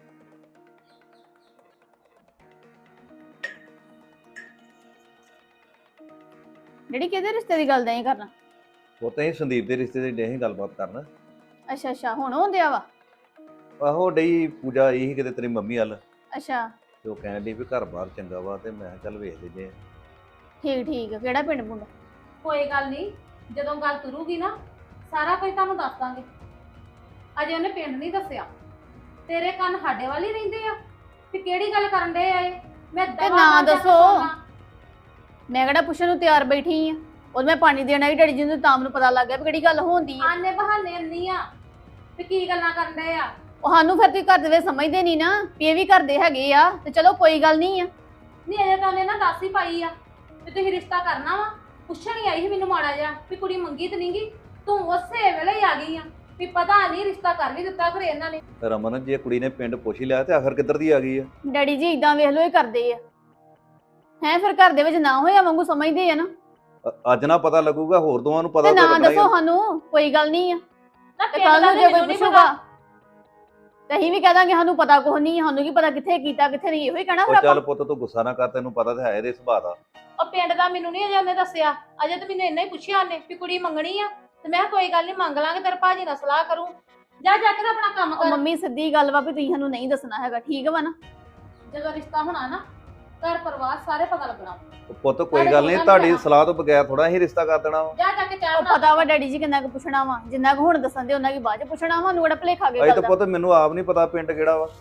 ਜਿਹੜੀ ਕਿਹਦੇ ਰਿਸ਼ਤੇ ਦੀ ਗੱਲ ਨਹੀਂ ਕਰਨਾ?
ਉਹ ਤਾਂ ਹੀ ਸੰਦੀਪ ਦੇ ਰਿਸ਼ਤੇ ਦੀ ਡੇ ਗੱਲਬਾਤ ਕਰਨ।
ਅੱਛਾ ਅੱਛਾ, ਹੁਣ ਹੁੰਦਿਆ ਵਾ?
ਆਹੋ, ਡਈ ਪੂਜਾ ਆਈ ਸੀ ਕਿਤੇ ਤੇਰੀ ਮੰਮੀ ਵੱਲ,
ਅੱਛਾ
ਤੇ ਉਹ ਕਹਿਣ ਡਈ ਵੀ ਘਰ-ਬਾਰ ਚੰਗਾ ਵਾ, ਤੇ ਮੈਂ ਕਿਹਾ ਚੱਲ ਵੇਖ ਲੈਂਦੇ ਆ।
ਠੀਕ ਠੀਕ, ਕਿਹੜਾ ਪਿੰਡ ਪੁੰਡ?
ਕੋਈ ਗੱਲ ਨਹੀਂ, ਜਦੋਂ ਗੱਲ ਤੁਰੂਗੀ ਨਾ ਸਾਰਾ ਕੁਝ ਤੁਹਾਨੂੰ ਦੱਸ ਦਾਂਗੇ। ਅਜੇ ਉਹਨੇ ਪਿੰਡ ਨਹੀਂ ਦੱਸਿਆ। ਤੇਰੇ ਕੰਨ ਸਾਡੇ ਵੱਲ ਹੀ ਰਹਿੰਦੇ ਆ ਵੀ ਕਿਹੜੀ ਗੱਲ ਕਰਨ ਦੇ ਆ ਇਹ। ਮੈਂ
ਤੇ ਨਾ ਦੱਸੋ, ਮੈਂ ਕਿਹੜਾ ਪੁੱਛਣ ਨੂੰ ਤਿਆਰ ਬੈਠੀ ਆ। ਉਹ ਮੈਂ ਪਾਣੀ ਦੇਣਾ ਹੀ ਡੈਡੀ ਜੀ ਨੂੰ, ਤਾਂ ਮੈਨੂੰ ਪਤਾ ਲੱਗ ਗਿਆ ਵੀ ਕਿਹੜੀ ਗੱਲ ਹੁੰਦੀ ਆ।
ਆਨੇ ਬਹਾਨੇ ਨਹੀਂ ਆ ਵੀ ਕੀ ਗੱਲਾਂ ਕਰਨ ਦੇ ਆ।
ਉਹ ਸਾਨੂੰ ਫਿਰ ਤੁਸੀਂ ਘਰ ਦੇ ਵਿੱਚ ਸਮਝਦੇ ਨਹੀਂ ਨਾ ਵੀ ਇਹ ਵੀ ਕਰਦੇ ਹੈਗੇ ਆ, ਤੇ ਚਲੋ ਕੋਈ ਗੱਲ ਨਹੀਂ ਆ।
ਨਹੀਂ ਅਜੇ ਤਾਂ ਉਹਨੇ ਨਾ ਦੱਸ ਹੀ ਪਾਈ ਆ ਵੀ ਤੁਸੀਂ ਰਿਸ਼ਤਾ ਕਰਨਾ ਵਾ। ਪੁੱਛਣ ਹੀ ਆਈ ਸੀ ਮੈਨੂੰ ਮਾੜਾ ਜਿਹਾ ਵੀ ਕੁੜੀ ਮੰਗੀ ਤੇ ਨਹੀਂਗੀ, ਤੂੰ ਉਸੇ ਵੇਲੇ ਹੀ ਆ ਗਈ ਆ ਵੀ ਪਤਾ ਨਹੀਂ ਰਿਸ਼ਤਾ ਕਰ ਵੀ ਦਿੱਤਾ ਫਿਰ ਇਹਨਾਂ ਨੇ।
ਰਮਨ, ਜੇ ਕੁੜੀ ਨੇ ਪਿੰਡ ਪੁੱਛ ਹੀ ਲਿਆ ਤੇ ਆਖਰ ਕਿੱਧਰ ਦੀ ਆ ਗਈ ਆ?
ਡੈਡੀ ਜੀ ਇਦਾਂ ਵੇਖ ਲੋ ਇਹ ਕਰਦੇ ਆ ਹੈ, ਫਿਰ ਘਰ ਦੇ ਵਿੱਚ ਨਾ ਹੋਇਆ ਵਾਂਗੂ ਸਮਝਦੇ ਆ ਨਾ।
ਅੱਜ ਨਾ ਪਤਾ ਲੱਗੂਗਾ, ਹੋਰ ਦੋਵਾਂ ਨੂੰ ਪਤਾ
ਤੇ
ਤਾਂ
ਨਾ
ਲੱਗਣਾ ਹੀ
ਦੱਸੋ
ਆ।
ਸਾਨੂੰ, ਕੋਈ ਗੱਲ ਨਹੀਂ ਆ।
ਨਾ
ਤੇ
ਪਿੰਡ
ਕੱਲ
ਦਾ
ਨੂੰ ਜੇ ਕੋਈ
ਮੈਨੂੰ ਨਹੀਂ
ਪੁੱਛੂਗਾ
ਪਤਾ।
ਤੇ ਅਸੀਂ ਵੀ ਕਹਿ ਦਾਂਗੇ ਸਾਨੂੰ ਪਤਾ ਕੁਛ ਨਹੀਂ, ਸਾਨੂੰ ਕੀ ਪਤਾ ਕਿੱਥੇ ਕੀਤਾ ਕਿੱਥੇ ਨਹੀਂ, ਇਹੋ ਹੀ ਕਹਿਣਾ ਫਿਰ
ਉਹ ਚੱਲ
ਆਪਾਂ।
ਪੁੱਤ, ਤੂੰ ਗੁੱਸਾ ਨਾ ਕਰ, ਤੈਨੂੰ ਪਤਾ ਤਾਂ ਹੈ ਇਹਦੇ ਸੁਭਾਅ ਦਾ।
ਉਹ ਪਿੰਡ ਦਾ ਮੈਨੂੰ ਨਹੀਂ ਅਜੇ ਉਹਨੇ ਦੱਸਿਆ। ਅਜੇ ਤਾਂ ਮੈਨੂੰ ਇੰਨਾ ਹੀ ਪੁੱਛਿਆ ਉਹਨੇ ਵੀ ਕੁੜੀ ਮੰਗਣੀ ਆ, ਤੇ ਮੈਂ ਕਿਹਾ ਕੋਈ ਗੱਲ ਨਹੀਂ ਮੰਗ ਲਾਂਗੇ, ਤੇਰੇ ਭਾਜੀ ਨਾਲ ਸਲਾਹ ਕਰੂੰ। ਜਾ ਕੇ ਤਾਂ ਆਪਣਾ ਕੰਮ
ਉਹ
ਕਰ।
ਮੰਮੀ ਸਿੱਧੀ ਗੱਲ ਵਾ ਵੀ ਤੁਸੀਂ ਸਾਨੂੰ ਨਹੀਂ ਦੱਸਣਾ ਹੈਗਾ, ਠੀਕ ਵਾ ਨਾ?
ਜਦੋਂ ਰਿਸ਼ਤਾ ਹੋਣਾ ਨਾ, ਘਰ ਪਰਿਵਾਰ ਸਾਰੇ ਪਤਾ ਲੱਗਣਾ।
ਉਹ ਪੁੱਤ ਕੋਈ ਗੱਲ ਨਹੀਂ, ਤੁਹਾਡੀ ਸਲਾਹ ਤੋਂ ਬਗੈਰ ਥੋੜਾ ਹੀ ਰਿਸ਼ਤਾ ਕਰ ਦੇਣਾ ਵਾ।
ਜਾ ਜਾ ਕੇ ਚਾਹ
ਉਹ
ਬਣਾ
ਪਤਾ ਵਾ ਡੈਡੀ ਜੀ ਕਿੰਨਾ ਕੁ ਪੁੱਛਣਾ ਵਾ, ਜਿੰਨਾ ਕੁ ਹੁਣ ਦੱਸਣ ਦੇ ਉਹਨਾਂ ਕੀ ਬਾਅਦ ਚ ਪੁੱਛਣਾ ਵਾ, ਨੂੰ ਭਲੇਖਾ ਕੇ
ਅਜੇ
ਗੱਲ
ਤਾਂ
ਦਾ।
ਪੁੱਤ ਮੈਨੂੰ ਆਪ ਨਹੀਂ ਪਤਾ ਪਿੰਡ ਕਿਹੜਾ ਵਾ।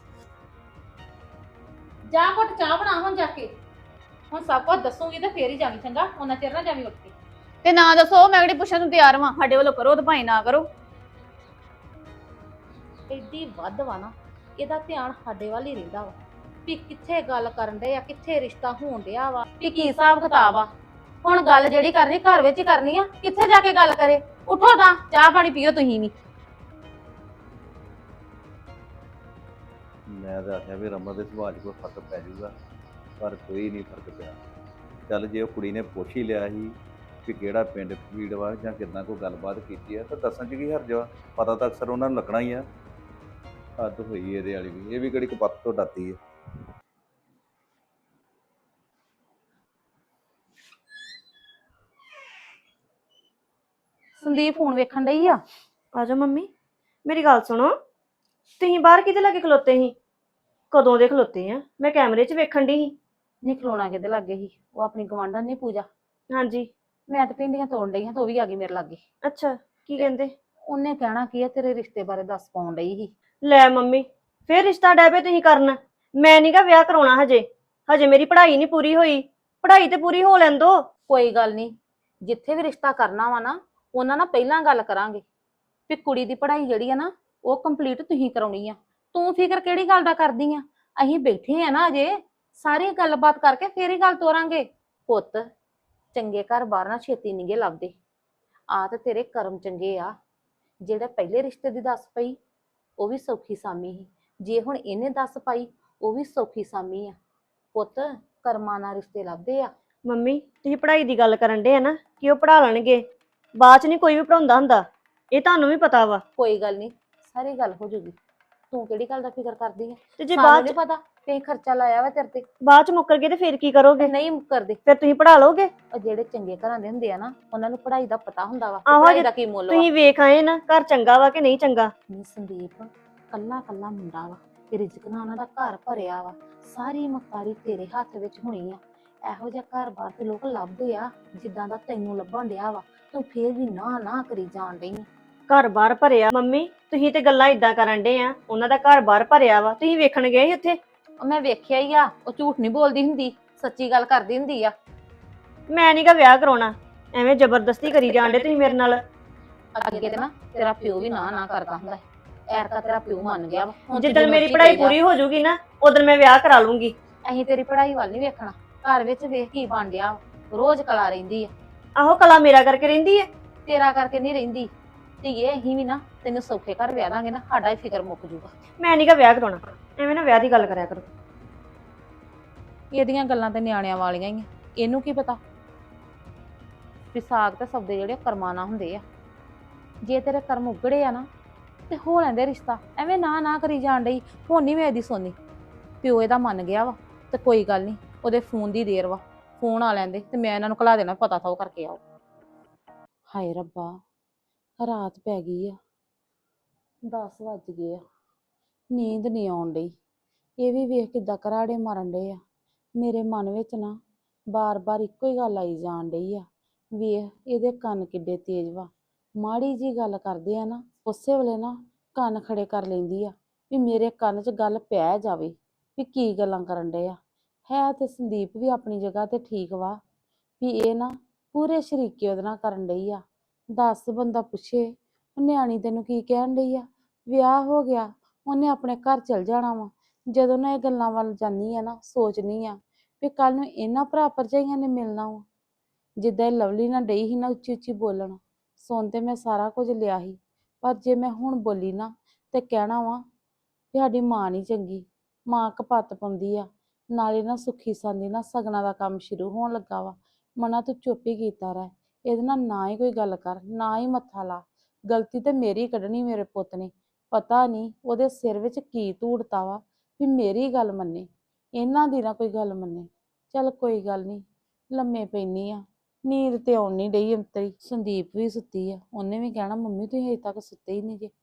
ਜਾ ਘੁੱਟ ਚਾਹ ਬਣਾ ਹੁਣ ਜਾ ਕੇ। ਹੁਣ ਸਭ ਕੁਝ ਦੱਸੂਗੀ ਤੇ ਫੇਰ ਹੀ ਜਾਵੀਂ, ਚੰਗਾ? ਉਹਨਾਂ ਚਿਰ ਨਾ ਜਾਵੀਂ ਉੱਠ ਕੇ।
ਤੇ ਨਾ ਦੱਸੋ, ਮੈਂ ਕਿਹੜੀ ਪੁੱਛਣ ਨੂੰ ਤਿਆਰ ਵਾਂ, ਸਾਡੇ ਵੱਲੋਂ ਕਰੋ ਤੇ ਭਾਈ ਨਾ ਕਰੋ।
ਐਡੀ ਵੱਧ ਵਾ ਨਾ, ਇਹਦਾ ਧਿਆਨ ਸਾਡੇ ਵੱਲ ਹੀ ਰਹਿੰਦਾ ਵਾ ਵੀ ਕਿੱਥੇ ਗੱਲ ਕਰਨ ਦੇ ਆ, ਕਿੱਥੇ ਰਿਸ਼ਤਾ ਹੋਣ ਡਿਆ ਵਾ, ਵੀ ਕੀ ਹਿਸਾਬ ਕਿਤਾਬ ਆ। ਹੁਣ ਗੱਲ ਜਿਹੜੀ ਕਰਨੀ ਘਰ ਵਿੱਚ ਹੀ ਕਰਨੀ ਆ, ਕਿੱਥੇ ਜਾ ਕੇ ਗੱਲ ਕਰੇ? ਉੱਠੋ ਤਾਂ ਚਾਹ ਪਾਣੀ ਪੀਓ ਤੁਸੀਂ ਵੀ।
ਮੈਂ ਤਾਂ ਆਖਿਆ ਵੀ ਰਮਨ ਦੇ ਸੁਭਾਅ 'ਚ ਕੋਈ ਫਰਕ ਪੈ ਜਾਊਗਾ, ਪਰ ਕੋਈ ਨਹੀਂ ਫਰਕ ਪਿਆ। ਚੱਲ ਜੇ ਉਹ ਕੁੜੀ ਨੇ ਪੁੱਛ ਹੀ ਲਿਆ ਸੀ ਕਿ ਕਿਹੜਾ ਪਿੰਡ ਪੀੜ ਵਾ ਜਾਂ ਕਿੱਦਾਂ ਕੋਈ ਗੱਲਬਾਤ ਕੀਤੀ ਆ, ਤਾਂ ਦੱਸਣ 'ਚ ਕੀ ਹਰਜ ਵਾ? ਪਤਾ ਤਾਂ ਅਕਸਰ ਉਹਨਾਂ ਨੂੰ ਲੱਗਣਾ ਹੀ ਆ। ਹੱਦ ਹੋਈ ਇਹਦੇ ਵਾਲੀ ਵੀ, ਇਹ ਵੀ ਕਿਹੜੀ ਕਪੱਤ ਤੋਂ ਡਰਦੀ ਹੈ।
ਸੰਦੀਪ ਫੋਨ ਵੇਖਣ ਡਈ ਆ।
ਆਜੋ ਮੰਮੀ, ਮੇਰੀ ਗੱਲ ਸੁਣੋ। ਤੁਸੀਂ ਬਾਹਰ ਕਿਤੇ ਲੱਗੇ ਖਲੋਤੇ ਸੀ? ਕਦੋਂ ਦੇ ਖਲੋਤੇ ਆ? ਮੈਂ ਕੈਮਰੇ 'ਚ ਵੇਖਣ ਡਈ ਸੀ।
ਨਹੀਂ ਖਲੋਣਾ ਕਿਤੇ ਲੱਗੇ ਸੀ, ਉਹ ਆਪਣੀ ਗਵਾਂਢਣ ਨਹੀਂ ਪੂਜਾ,
ਹਾਂਜੀ।
ਮੈਂ ਤਾਂ ਭਿੰਡੀਆਂ ਤੋੜਨ ਡਈ ਹਾਂ ਤੇ ਉਹ ਵੀ ਆ ਗਈ ਮੇਰੇ ਲਾਗੇ।
ਅੱਛਾ, ਕੀ ਕਹਿੰਦੇ?
ਉਹਨੇ ਕਹਿਣਾ ਕੀ ਆ, ਤੇਰੇ ਰਿਸ਼ਤੇ ਬਾਰੇ ਦੱਸ ਪਾਉਣ ਡਈ ਸੀ।
ਲੈ ਮੰਮੀ, ਫੇਰ ਰਿਸ਼ਤਾ ਡੈ ਪਏ ਤੁਸੀਂ ਕਰਨ। ਮੈਂ ਨੀ ਗਾ ਵਿਆਹ ਕਰਾਉਣਾ ਹਜੇ ਮੇਰੀ ਪੜ੍ਹਾਈ ਨਹੀਂ ਪੂਰੀ ਹੋਈ। ਪੜ੍ਹਾਈ ਤੇ ਪੂਰੀ ਹੋ ਲੈਣ ਦੋ।
ਕੋਈ ਗੱਲ ਨਹੀਂ, ਜਿੱਥੇ ਵੀ ਰਿਸ਼ਤਾ ਕਰਨਾ ਵਾ ਨਾ, ਉਹਨਾਂ ਨਾਲ ਪਹਿਲਾਂ ਗੱਲ ਕਰਾਂਗੇ ਵੀ ਕੁੜੀ ਦੀ ਪੜ੍ਹਾਈ ਜਿਹੜੀ ਆ ਨਾ, ਉਹ ਕੰਪਲੀਟ ਤੁਸੀਂ ਕਰਾਉਣੀ ਆ। ਤੂੰ ਫਿਕਰ ਕਿਹੜੀ ਗੱਲ ਦਾ ਕਰਦੀ ਆ? ਅਸੀਂ ਬੈਠੇ ਆ ਨਾ ਅਜੇ, ਸਾਰੀ ਗੱਲਬਾਤ ਕਰਕੇ ਫੇਰ ਹੀ ਗੱਲ ਤੋਰਾਂਗੇ। ਪੁੱਤ, ਚੰਗੇ ਘਰ ਬਾਹਰ ਨਾ ਛੇਤੀ ਨੀਗੇ ਲੱਭਦੇ। ਆ ਤੇ ਤੇਰੇ ਕਰਮ ਚੰਗੇ ਆ, ਜਿਹੜੇ ਪਹਿਲੇ ਰਿਸ਼ਤੇ ਦੀ ਦੱਸ ਪਈ ਉਹ ਵੀ ਸੌਖੀ ਸਾਮੀ ਸੀ, ਜੇ ਹੁਣ ਇਹਨੇ ਦੱਸ ਪਾਈ ਉਹ ਵੀ ਸੌਖੀ ਸਾਮੀ ਆ। ਪੁੱਤ, ਕਰਮਾਂ ਨਾਲ ਰਿਸ਼ਤੇ ਲੱਭਦੇ ਆ।
ਮੰਮੀ, ਤੁਸੀਂ ਪੜ੍ਹਾਈ ਦੀ ਗੱਲ ਕਰਨ ਡੇ ਆ ਨਾ ਕਿ ਉਹ ਪੜ੍ਹਾ ਲੈਣਗੇ, ਬਾਅਦ ਚ ਨਹੀਂ ਕੋਈ ਵੀ ਪੜਾਉਂਦਾ ਹੁੰਦਾ, ਇਹ ਤੁਹਾਨੂੰ ਵੀ ਪਤਾ ਵਾ।
ਕੋਈ ਗੱਲ ਨਹੀਂ, ਸਾਰੀ ਗੱਲ ਹੋ ਜੂਗੀ। ਤੂੰ ਕਿਹੜੀ ਗੱਲ ਦਾ ਫਿਕਰ ਕਰਦੀ ਆ?
ਤੇ ਜੇ
ਸਾਨੂੰ
ਬਾਅਦ
ਨੀ
ਚ
ਪਤਾ ਤੇ ਖਰਚਾ ਲਾਇਆ ਵਾ ਤੇਰੇ ਤੇ।
ਮੁੱਕਰ ਗਏ ਤੇ ਫਿਰ ਕੀ ਕਰੋਗੇ?
ਨਹੀਂ ਕਰਦੇ।
ਫਿਰ ਤੁਸੀਂ ਪੜ੍ਹਾ ਲਓਗੇ?
ਉਹ ਜਿਹੜੇ ਚੰਗੇ ਘਰਾਂ ਦੇ ਹੁੰਦੇ ਆ ਨਾ, ਉਹਨਾਂ ਨੂੰ ਪੜ੍ਹਾਈ ਦਾ ਪਤਾ ਹੁੰਦਾ ਵਾ,
ਆਹੋ,
ਪੜ੍ਹਾਈ
ਜੇ
ਦਾ ਕੀ ਮੁੱਲ ਵਾ।
ਤੁਸੀਂ ਵੇਖ ਆਏ ਨਾ ਘਰ ਚੰਗਾ ਵਾ ਕਿ ਨਹੀਂ ਚੰਗਾ।
ਨੀ ਸੰਦੀਪ, ਕੱਲਾ ਕੱਲਾ ਮੁੰਡਾ ਵਾ, ਤੇ ਰਿਜ਼ਕ ਨਾਲ ਉਹਨਾਂ ਦਾ ਘਰ ਭਰਿਆ ਵਾ, ਸਾਰੀ ਮੁਖਤਾਰੀ ਤੇਰੇ ਹੱਥ ਵਿੱਚ ਹੋਣੀ ਆ। ਇਹੋ ਜਿਹਾ ਘਰ-ਬਾਰ ਤੇ ਲੋਕ ਲੱਭਦੇ ਆ ਜਿੱਦਾਂ ਦਾ ਤੈਨੂੰ ਲੱਭਣ ਡਿਆ ਵਾ, ਤੂੰ ਫੇਰ ਵੀ ਨਾ ਨਾ ਕਰੀ ਜਾਣ ਡਈ ਆਂ।
ਘਰ-ਬਾਰ ਭਰਿਆ? ਮੰਮੀ, ਤੁਸੀਂ ਤੇ ਗੱਲਾਂ ਇਦਾਂ ਕਰਨ ਡੇ ਆ, ਉਹਨਾਂ ਦਾ ਘਰ-ਬਾਰ ਭਰਿਆ ਵਾ, ਤੁਸੀਂ ਵੇਖਣ ਗਏ ਸੀ ਉੱਥੇ?
ਉਹ ਮੈਂ ਵੇਖਿਆ ਹੀ ਆ, ਉਹ ਝੂਠ ਨਹੀਂ ਬੋਲਦੀ ਹੁੰਦੀ, ਸੱਚੀ ਗੱਲ ਕਰਦੀ ਹੁੰਦੀ ਆ।
ਮੈਂ ਨੀ ਗਾ ਵਿਆਹ ਕਰਾਉਣਾ, ਐਵੇਂ ਜ਼ਬਰਦਸਤੀ ਕਰੀ ਜਾਣ ਡੇ ਤੁਸੀਂ ਮੇਰੇ ਨਾਲ।
ਅੱਗੇ ਤੇ ਨਾ ਤੇਰਾ ਪਿਓ ਵੀ ਨਾ ਨਾ ਕਰਦਾ ਹੁੰਦਾ, ਐਰਕਾ ਤੇਰਾ ਪਿਓ ਮੰਨ ਗਿਆ ਵਾ। ਹੁਣ ਤੂੰ
ਜਿੱਦਣ
ਜੋ
ਮੇਰੀ
ਮਰਜ਼ੀ
ਪੜ੍ਹਾਈ
ਕਹੀ ਜਾ।
ਪੂਰੀ ਹੋ ਜਾਊਗੀ ਨਾ, ਉਦੋਂ ਮੈਂ ਵਿਆਹ ਕਰਾ ਲੂੰਗੀ।
ਅਸੀਂ ਤੇਰੀ ਪੜ੍ਹਾਈ ਵੱਲ ਨਹੀਂ ਵੇਖਣਾ, ਘਰ ਵਿੱਚ ਵੇਖ ਕੀ ਬਣ ਡਿਆ ਵਾ, ਰੋਜ਼ ਕਲਾ ਰਹਿੰਦੀ ਆ।
ਆਹੋ, ਕਲਾ ਮੇਰਾ ਕਰਕੇ ਰਹਿੰਦੀ ਹੈ।
ਤੇਰਾ ਕਰਕੇ ਨਹੀਂ ਰਹਿੰਦੀ ਧੀਏ, ਅਸੀਂ ਵੀ ਨਾ ਤੈਨੂੰ ਸੌਖੇ ਘਰ ਵਿਆਹ ਦਾਂਗੇ ਨਾ, ਸਾਡਾ ਹੀ ਫਿਕਰ ਮੁੱਕ ਜੂਗਾ।
ਮੈਂ ਨੀ ਗਾ ਵਿਆਹ ਕਰਾਉਣਾ, ਐਵੇਂ ਨਾ ਵਿਆਹ ਦੀ ਗੱਲ ਕਰਿਆ ਕਰੋ।
ਇਹਦੀਆਂ ਗੱਲਾਂ ਤੇ ਨਿਆਣਿਆਂ ਵਾਲੀਆਂ ਹੀ ਆ, ਇਹਨੂੰ ਕੀ ਪਤਾ ਵੀ ਸਾਗ ਤੇ ਸਬਦੇ ਜਿਹੜੇ ਕਰਮਾਂ ਨਾਲ ਹੁੰਦੇ ਆ। ਜੇ ਤੇਰੇ ਕਰਮ ਉਗੜੇ ਆ ਨਾ ਤੇ ਹੋ ਲੈਂਦੇ ਰਿਸ਼ਤਾ, ਐਵੇਂ ਨਾ ਨਾ ਕਰੀ ਜਾਣ ਡਈ। ਹੁਣ ਨਹੀਂ ਮੈਂ ਇਹਦੀ ਸੁਣਨੀ, ਪਿਓ ਇਹਦਾ ਮੰਨ ਗਿਆ ਵਾ ਤੇ ਕੋਈ ਗੱਲ ਨਹੀਂ, ਉਹਦੇ ਫੋਨ ਦੀ ਦੇਰ ਵਾ, ਫੋਨ ਆ ਲੈਂਦੇ ਤੇ ਮੈਂ ਇਹਨਾਂ ਨੂੰ ਘਲਾ ਦੇਣਾ, ਪਤਾ ਥਾ ਉਹ ਕਰਕੇ ਆਓ। ਹਾਏ ਰੱਬਾ, ਰਾਤ ਪੈ ਗਈ ਆ, 10 ਵੱਜ ਗਏ ਆ, ਨੀਂਦ ਨਹੀਂ ਆਉਣ ਡਈ। ਇਹ ਵੀ ਵੇਖ ਕਿੱਦਾਂ ਘਰਾੜੇ ਮਾਰਨ ਡੇ ਆ। ਮੇਰੇ ਮਨ ਵਿੱਚ ਨਾ ਬਾਰ-ਬਾਰ ਇੱਕੋ ਹੀ ਗੱਲ ਆਈ ਜਾਣ ਡਈ ਆ, ਵੇਖ ਇਹਦੇ ਕੰਨ ਕਿੱਡੇ ਤੇਜ਼ ਵਾ, ਮਾੜੀ ਜੀ ਗੱਲ ਕਰਦੇ ਆ ਨਾ ਉਸੇ ਵੇਲੇ ਨਾ ਕੰਨ ਖੜੇ ਕਰ ਲੈਂਦੀ ਆ ਵੀ ਮੇਰੇ ਕੰਨ 'ਚ ਗੱਲ ਪੈ ਜਾਵੇ ਵੀ ਕੀ ਗੱਲਾਂ ਕਰਨ ਡੇ ਆ। ਹੈ ਤੇ ਸੰਦੀਪ ਵੀ ਆਪਣੀ ਜਗ੍ਹਾ ਤੇ ਠੀਕ ਵਾ, ਵੀ ਇਹ ਨਾ ਪੂਰੇ ਸ਼ਰੀਕੇ ਉਹਦੇ ਨਾਲ ਕਰਨ ਡਈ ਆ। ਦੱਸ ਬੰਦਾ ਪੁੱਛੇ, ਨਿਆਣੀ ਤੈਨੂੰ ਕੀ ਕਹਿਣ ਡਈ ਆ? ਵਿਆਹ ਹੋ ਗਿਆ, ਉਹਨੇ ਆਪਣੇ ਘਰ ਚਲ ਜਾਣਾ ਵਾ। ਜਦੋਂ ਨਾ ਇਹ ਗੱਲਾਂ ਵੱਲ ਜਾਂਦੀ ਆ ਨਾ, ਸੋਚਨੀ ਆ ਵੀ ਕੱਲ ਨੂੰ ਇਹਨਾਂ ਭਰਾ ਭਰਜਾਈਆਂ ਨੇ ਮਿਲਣਾ ਵਾ। ਜਿੱਦਾਂ ਇਹ ਲਵਲੀ ਨਾਲ ਡਈ ਸੀ ਨਾ ਉੱਚੀ ਉੱਚੀ ਬੋਲਣ, ਸੁਣ ਤੇ ਮੈਂ ਸਾਰਾ ਕੁਝ ਲਿਆ ਸੀ, ਪਰ ਜੇ ਮੈਂ ਹੁਣ ਬੋਲੀ ਨਾ ਤੇ ਕਹਿਣਾ ਵਾ ਵੀ ਸਾਡੀ ਮਾਂ ਨਹੀਂ ਚੰਗੀ, ਮਾਂ ਕਪੱਤ ਪਾਉਂਦੀ ਆ। ਨਾਲੇ ਨਾ ਸੁੱਖੀ ਸਾਂਦੀ ਨਾ ਸਗਨਾਂ ਦਾ ਕੰਮ ਸ਼ੁਰੂ ਹੋਣ ਲੱਗਾ ਵਾ। ਮਨਾ ਤੂੰ ਚੁੱਪ ਹੀ ਕੀਤਾ ਰਹਿ, ਇਹਦੇ ਨਾਲ ਨਾ ਹੀ ਕੋਈ ਗੱਲ ਕਰ, ਨਾ ਹੀ ਮੱਥਾ ਲਾ। ਗਲਤੀ ਤੇ ਮੇਰੀ ਕੱਢਣੀ ਮੇਰੇ ਪੁੱਤ ਨੇ, ਪਤਾ ਨਹੀਂ ਉਹਦੇ ਸਿਰ ਵਿੱਚ ਕੀ ਧੂੜਤਾ ਵਾ ਵੀ ਮੇਰੀ ਗੱਲ ਮੰਨੇ, ਇਹਨਾਂ ਦੀ ਨਾ ਕੋਈ ਗੱਲ ਮੰਨੇ। ਚੱਲ ਕੋਈ ਗੱਲ ਨਹੀਂ, ਲੰਮੇ ਪੈਣੀ ਆ, ਨੀਂਦ ਤੇ ਆਉਣ ਨਹੀਂ ਡਈ ਅੰਤਰੀ। ਸੰਦੀਪ ਵੀ ਸੁੱਤੀ ਆ, ਉਹਨੇ ਵੀ ਕਹਿਣਾ ਮੰਮੀ ਤੁਸੀਂ ਅਜੇ ਤੱਕ ਸੁੱਤੇ ਹੀ ਨਹੀਂ ਜੇ।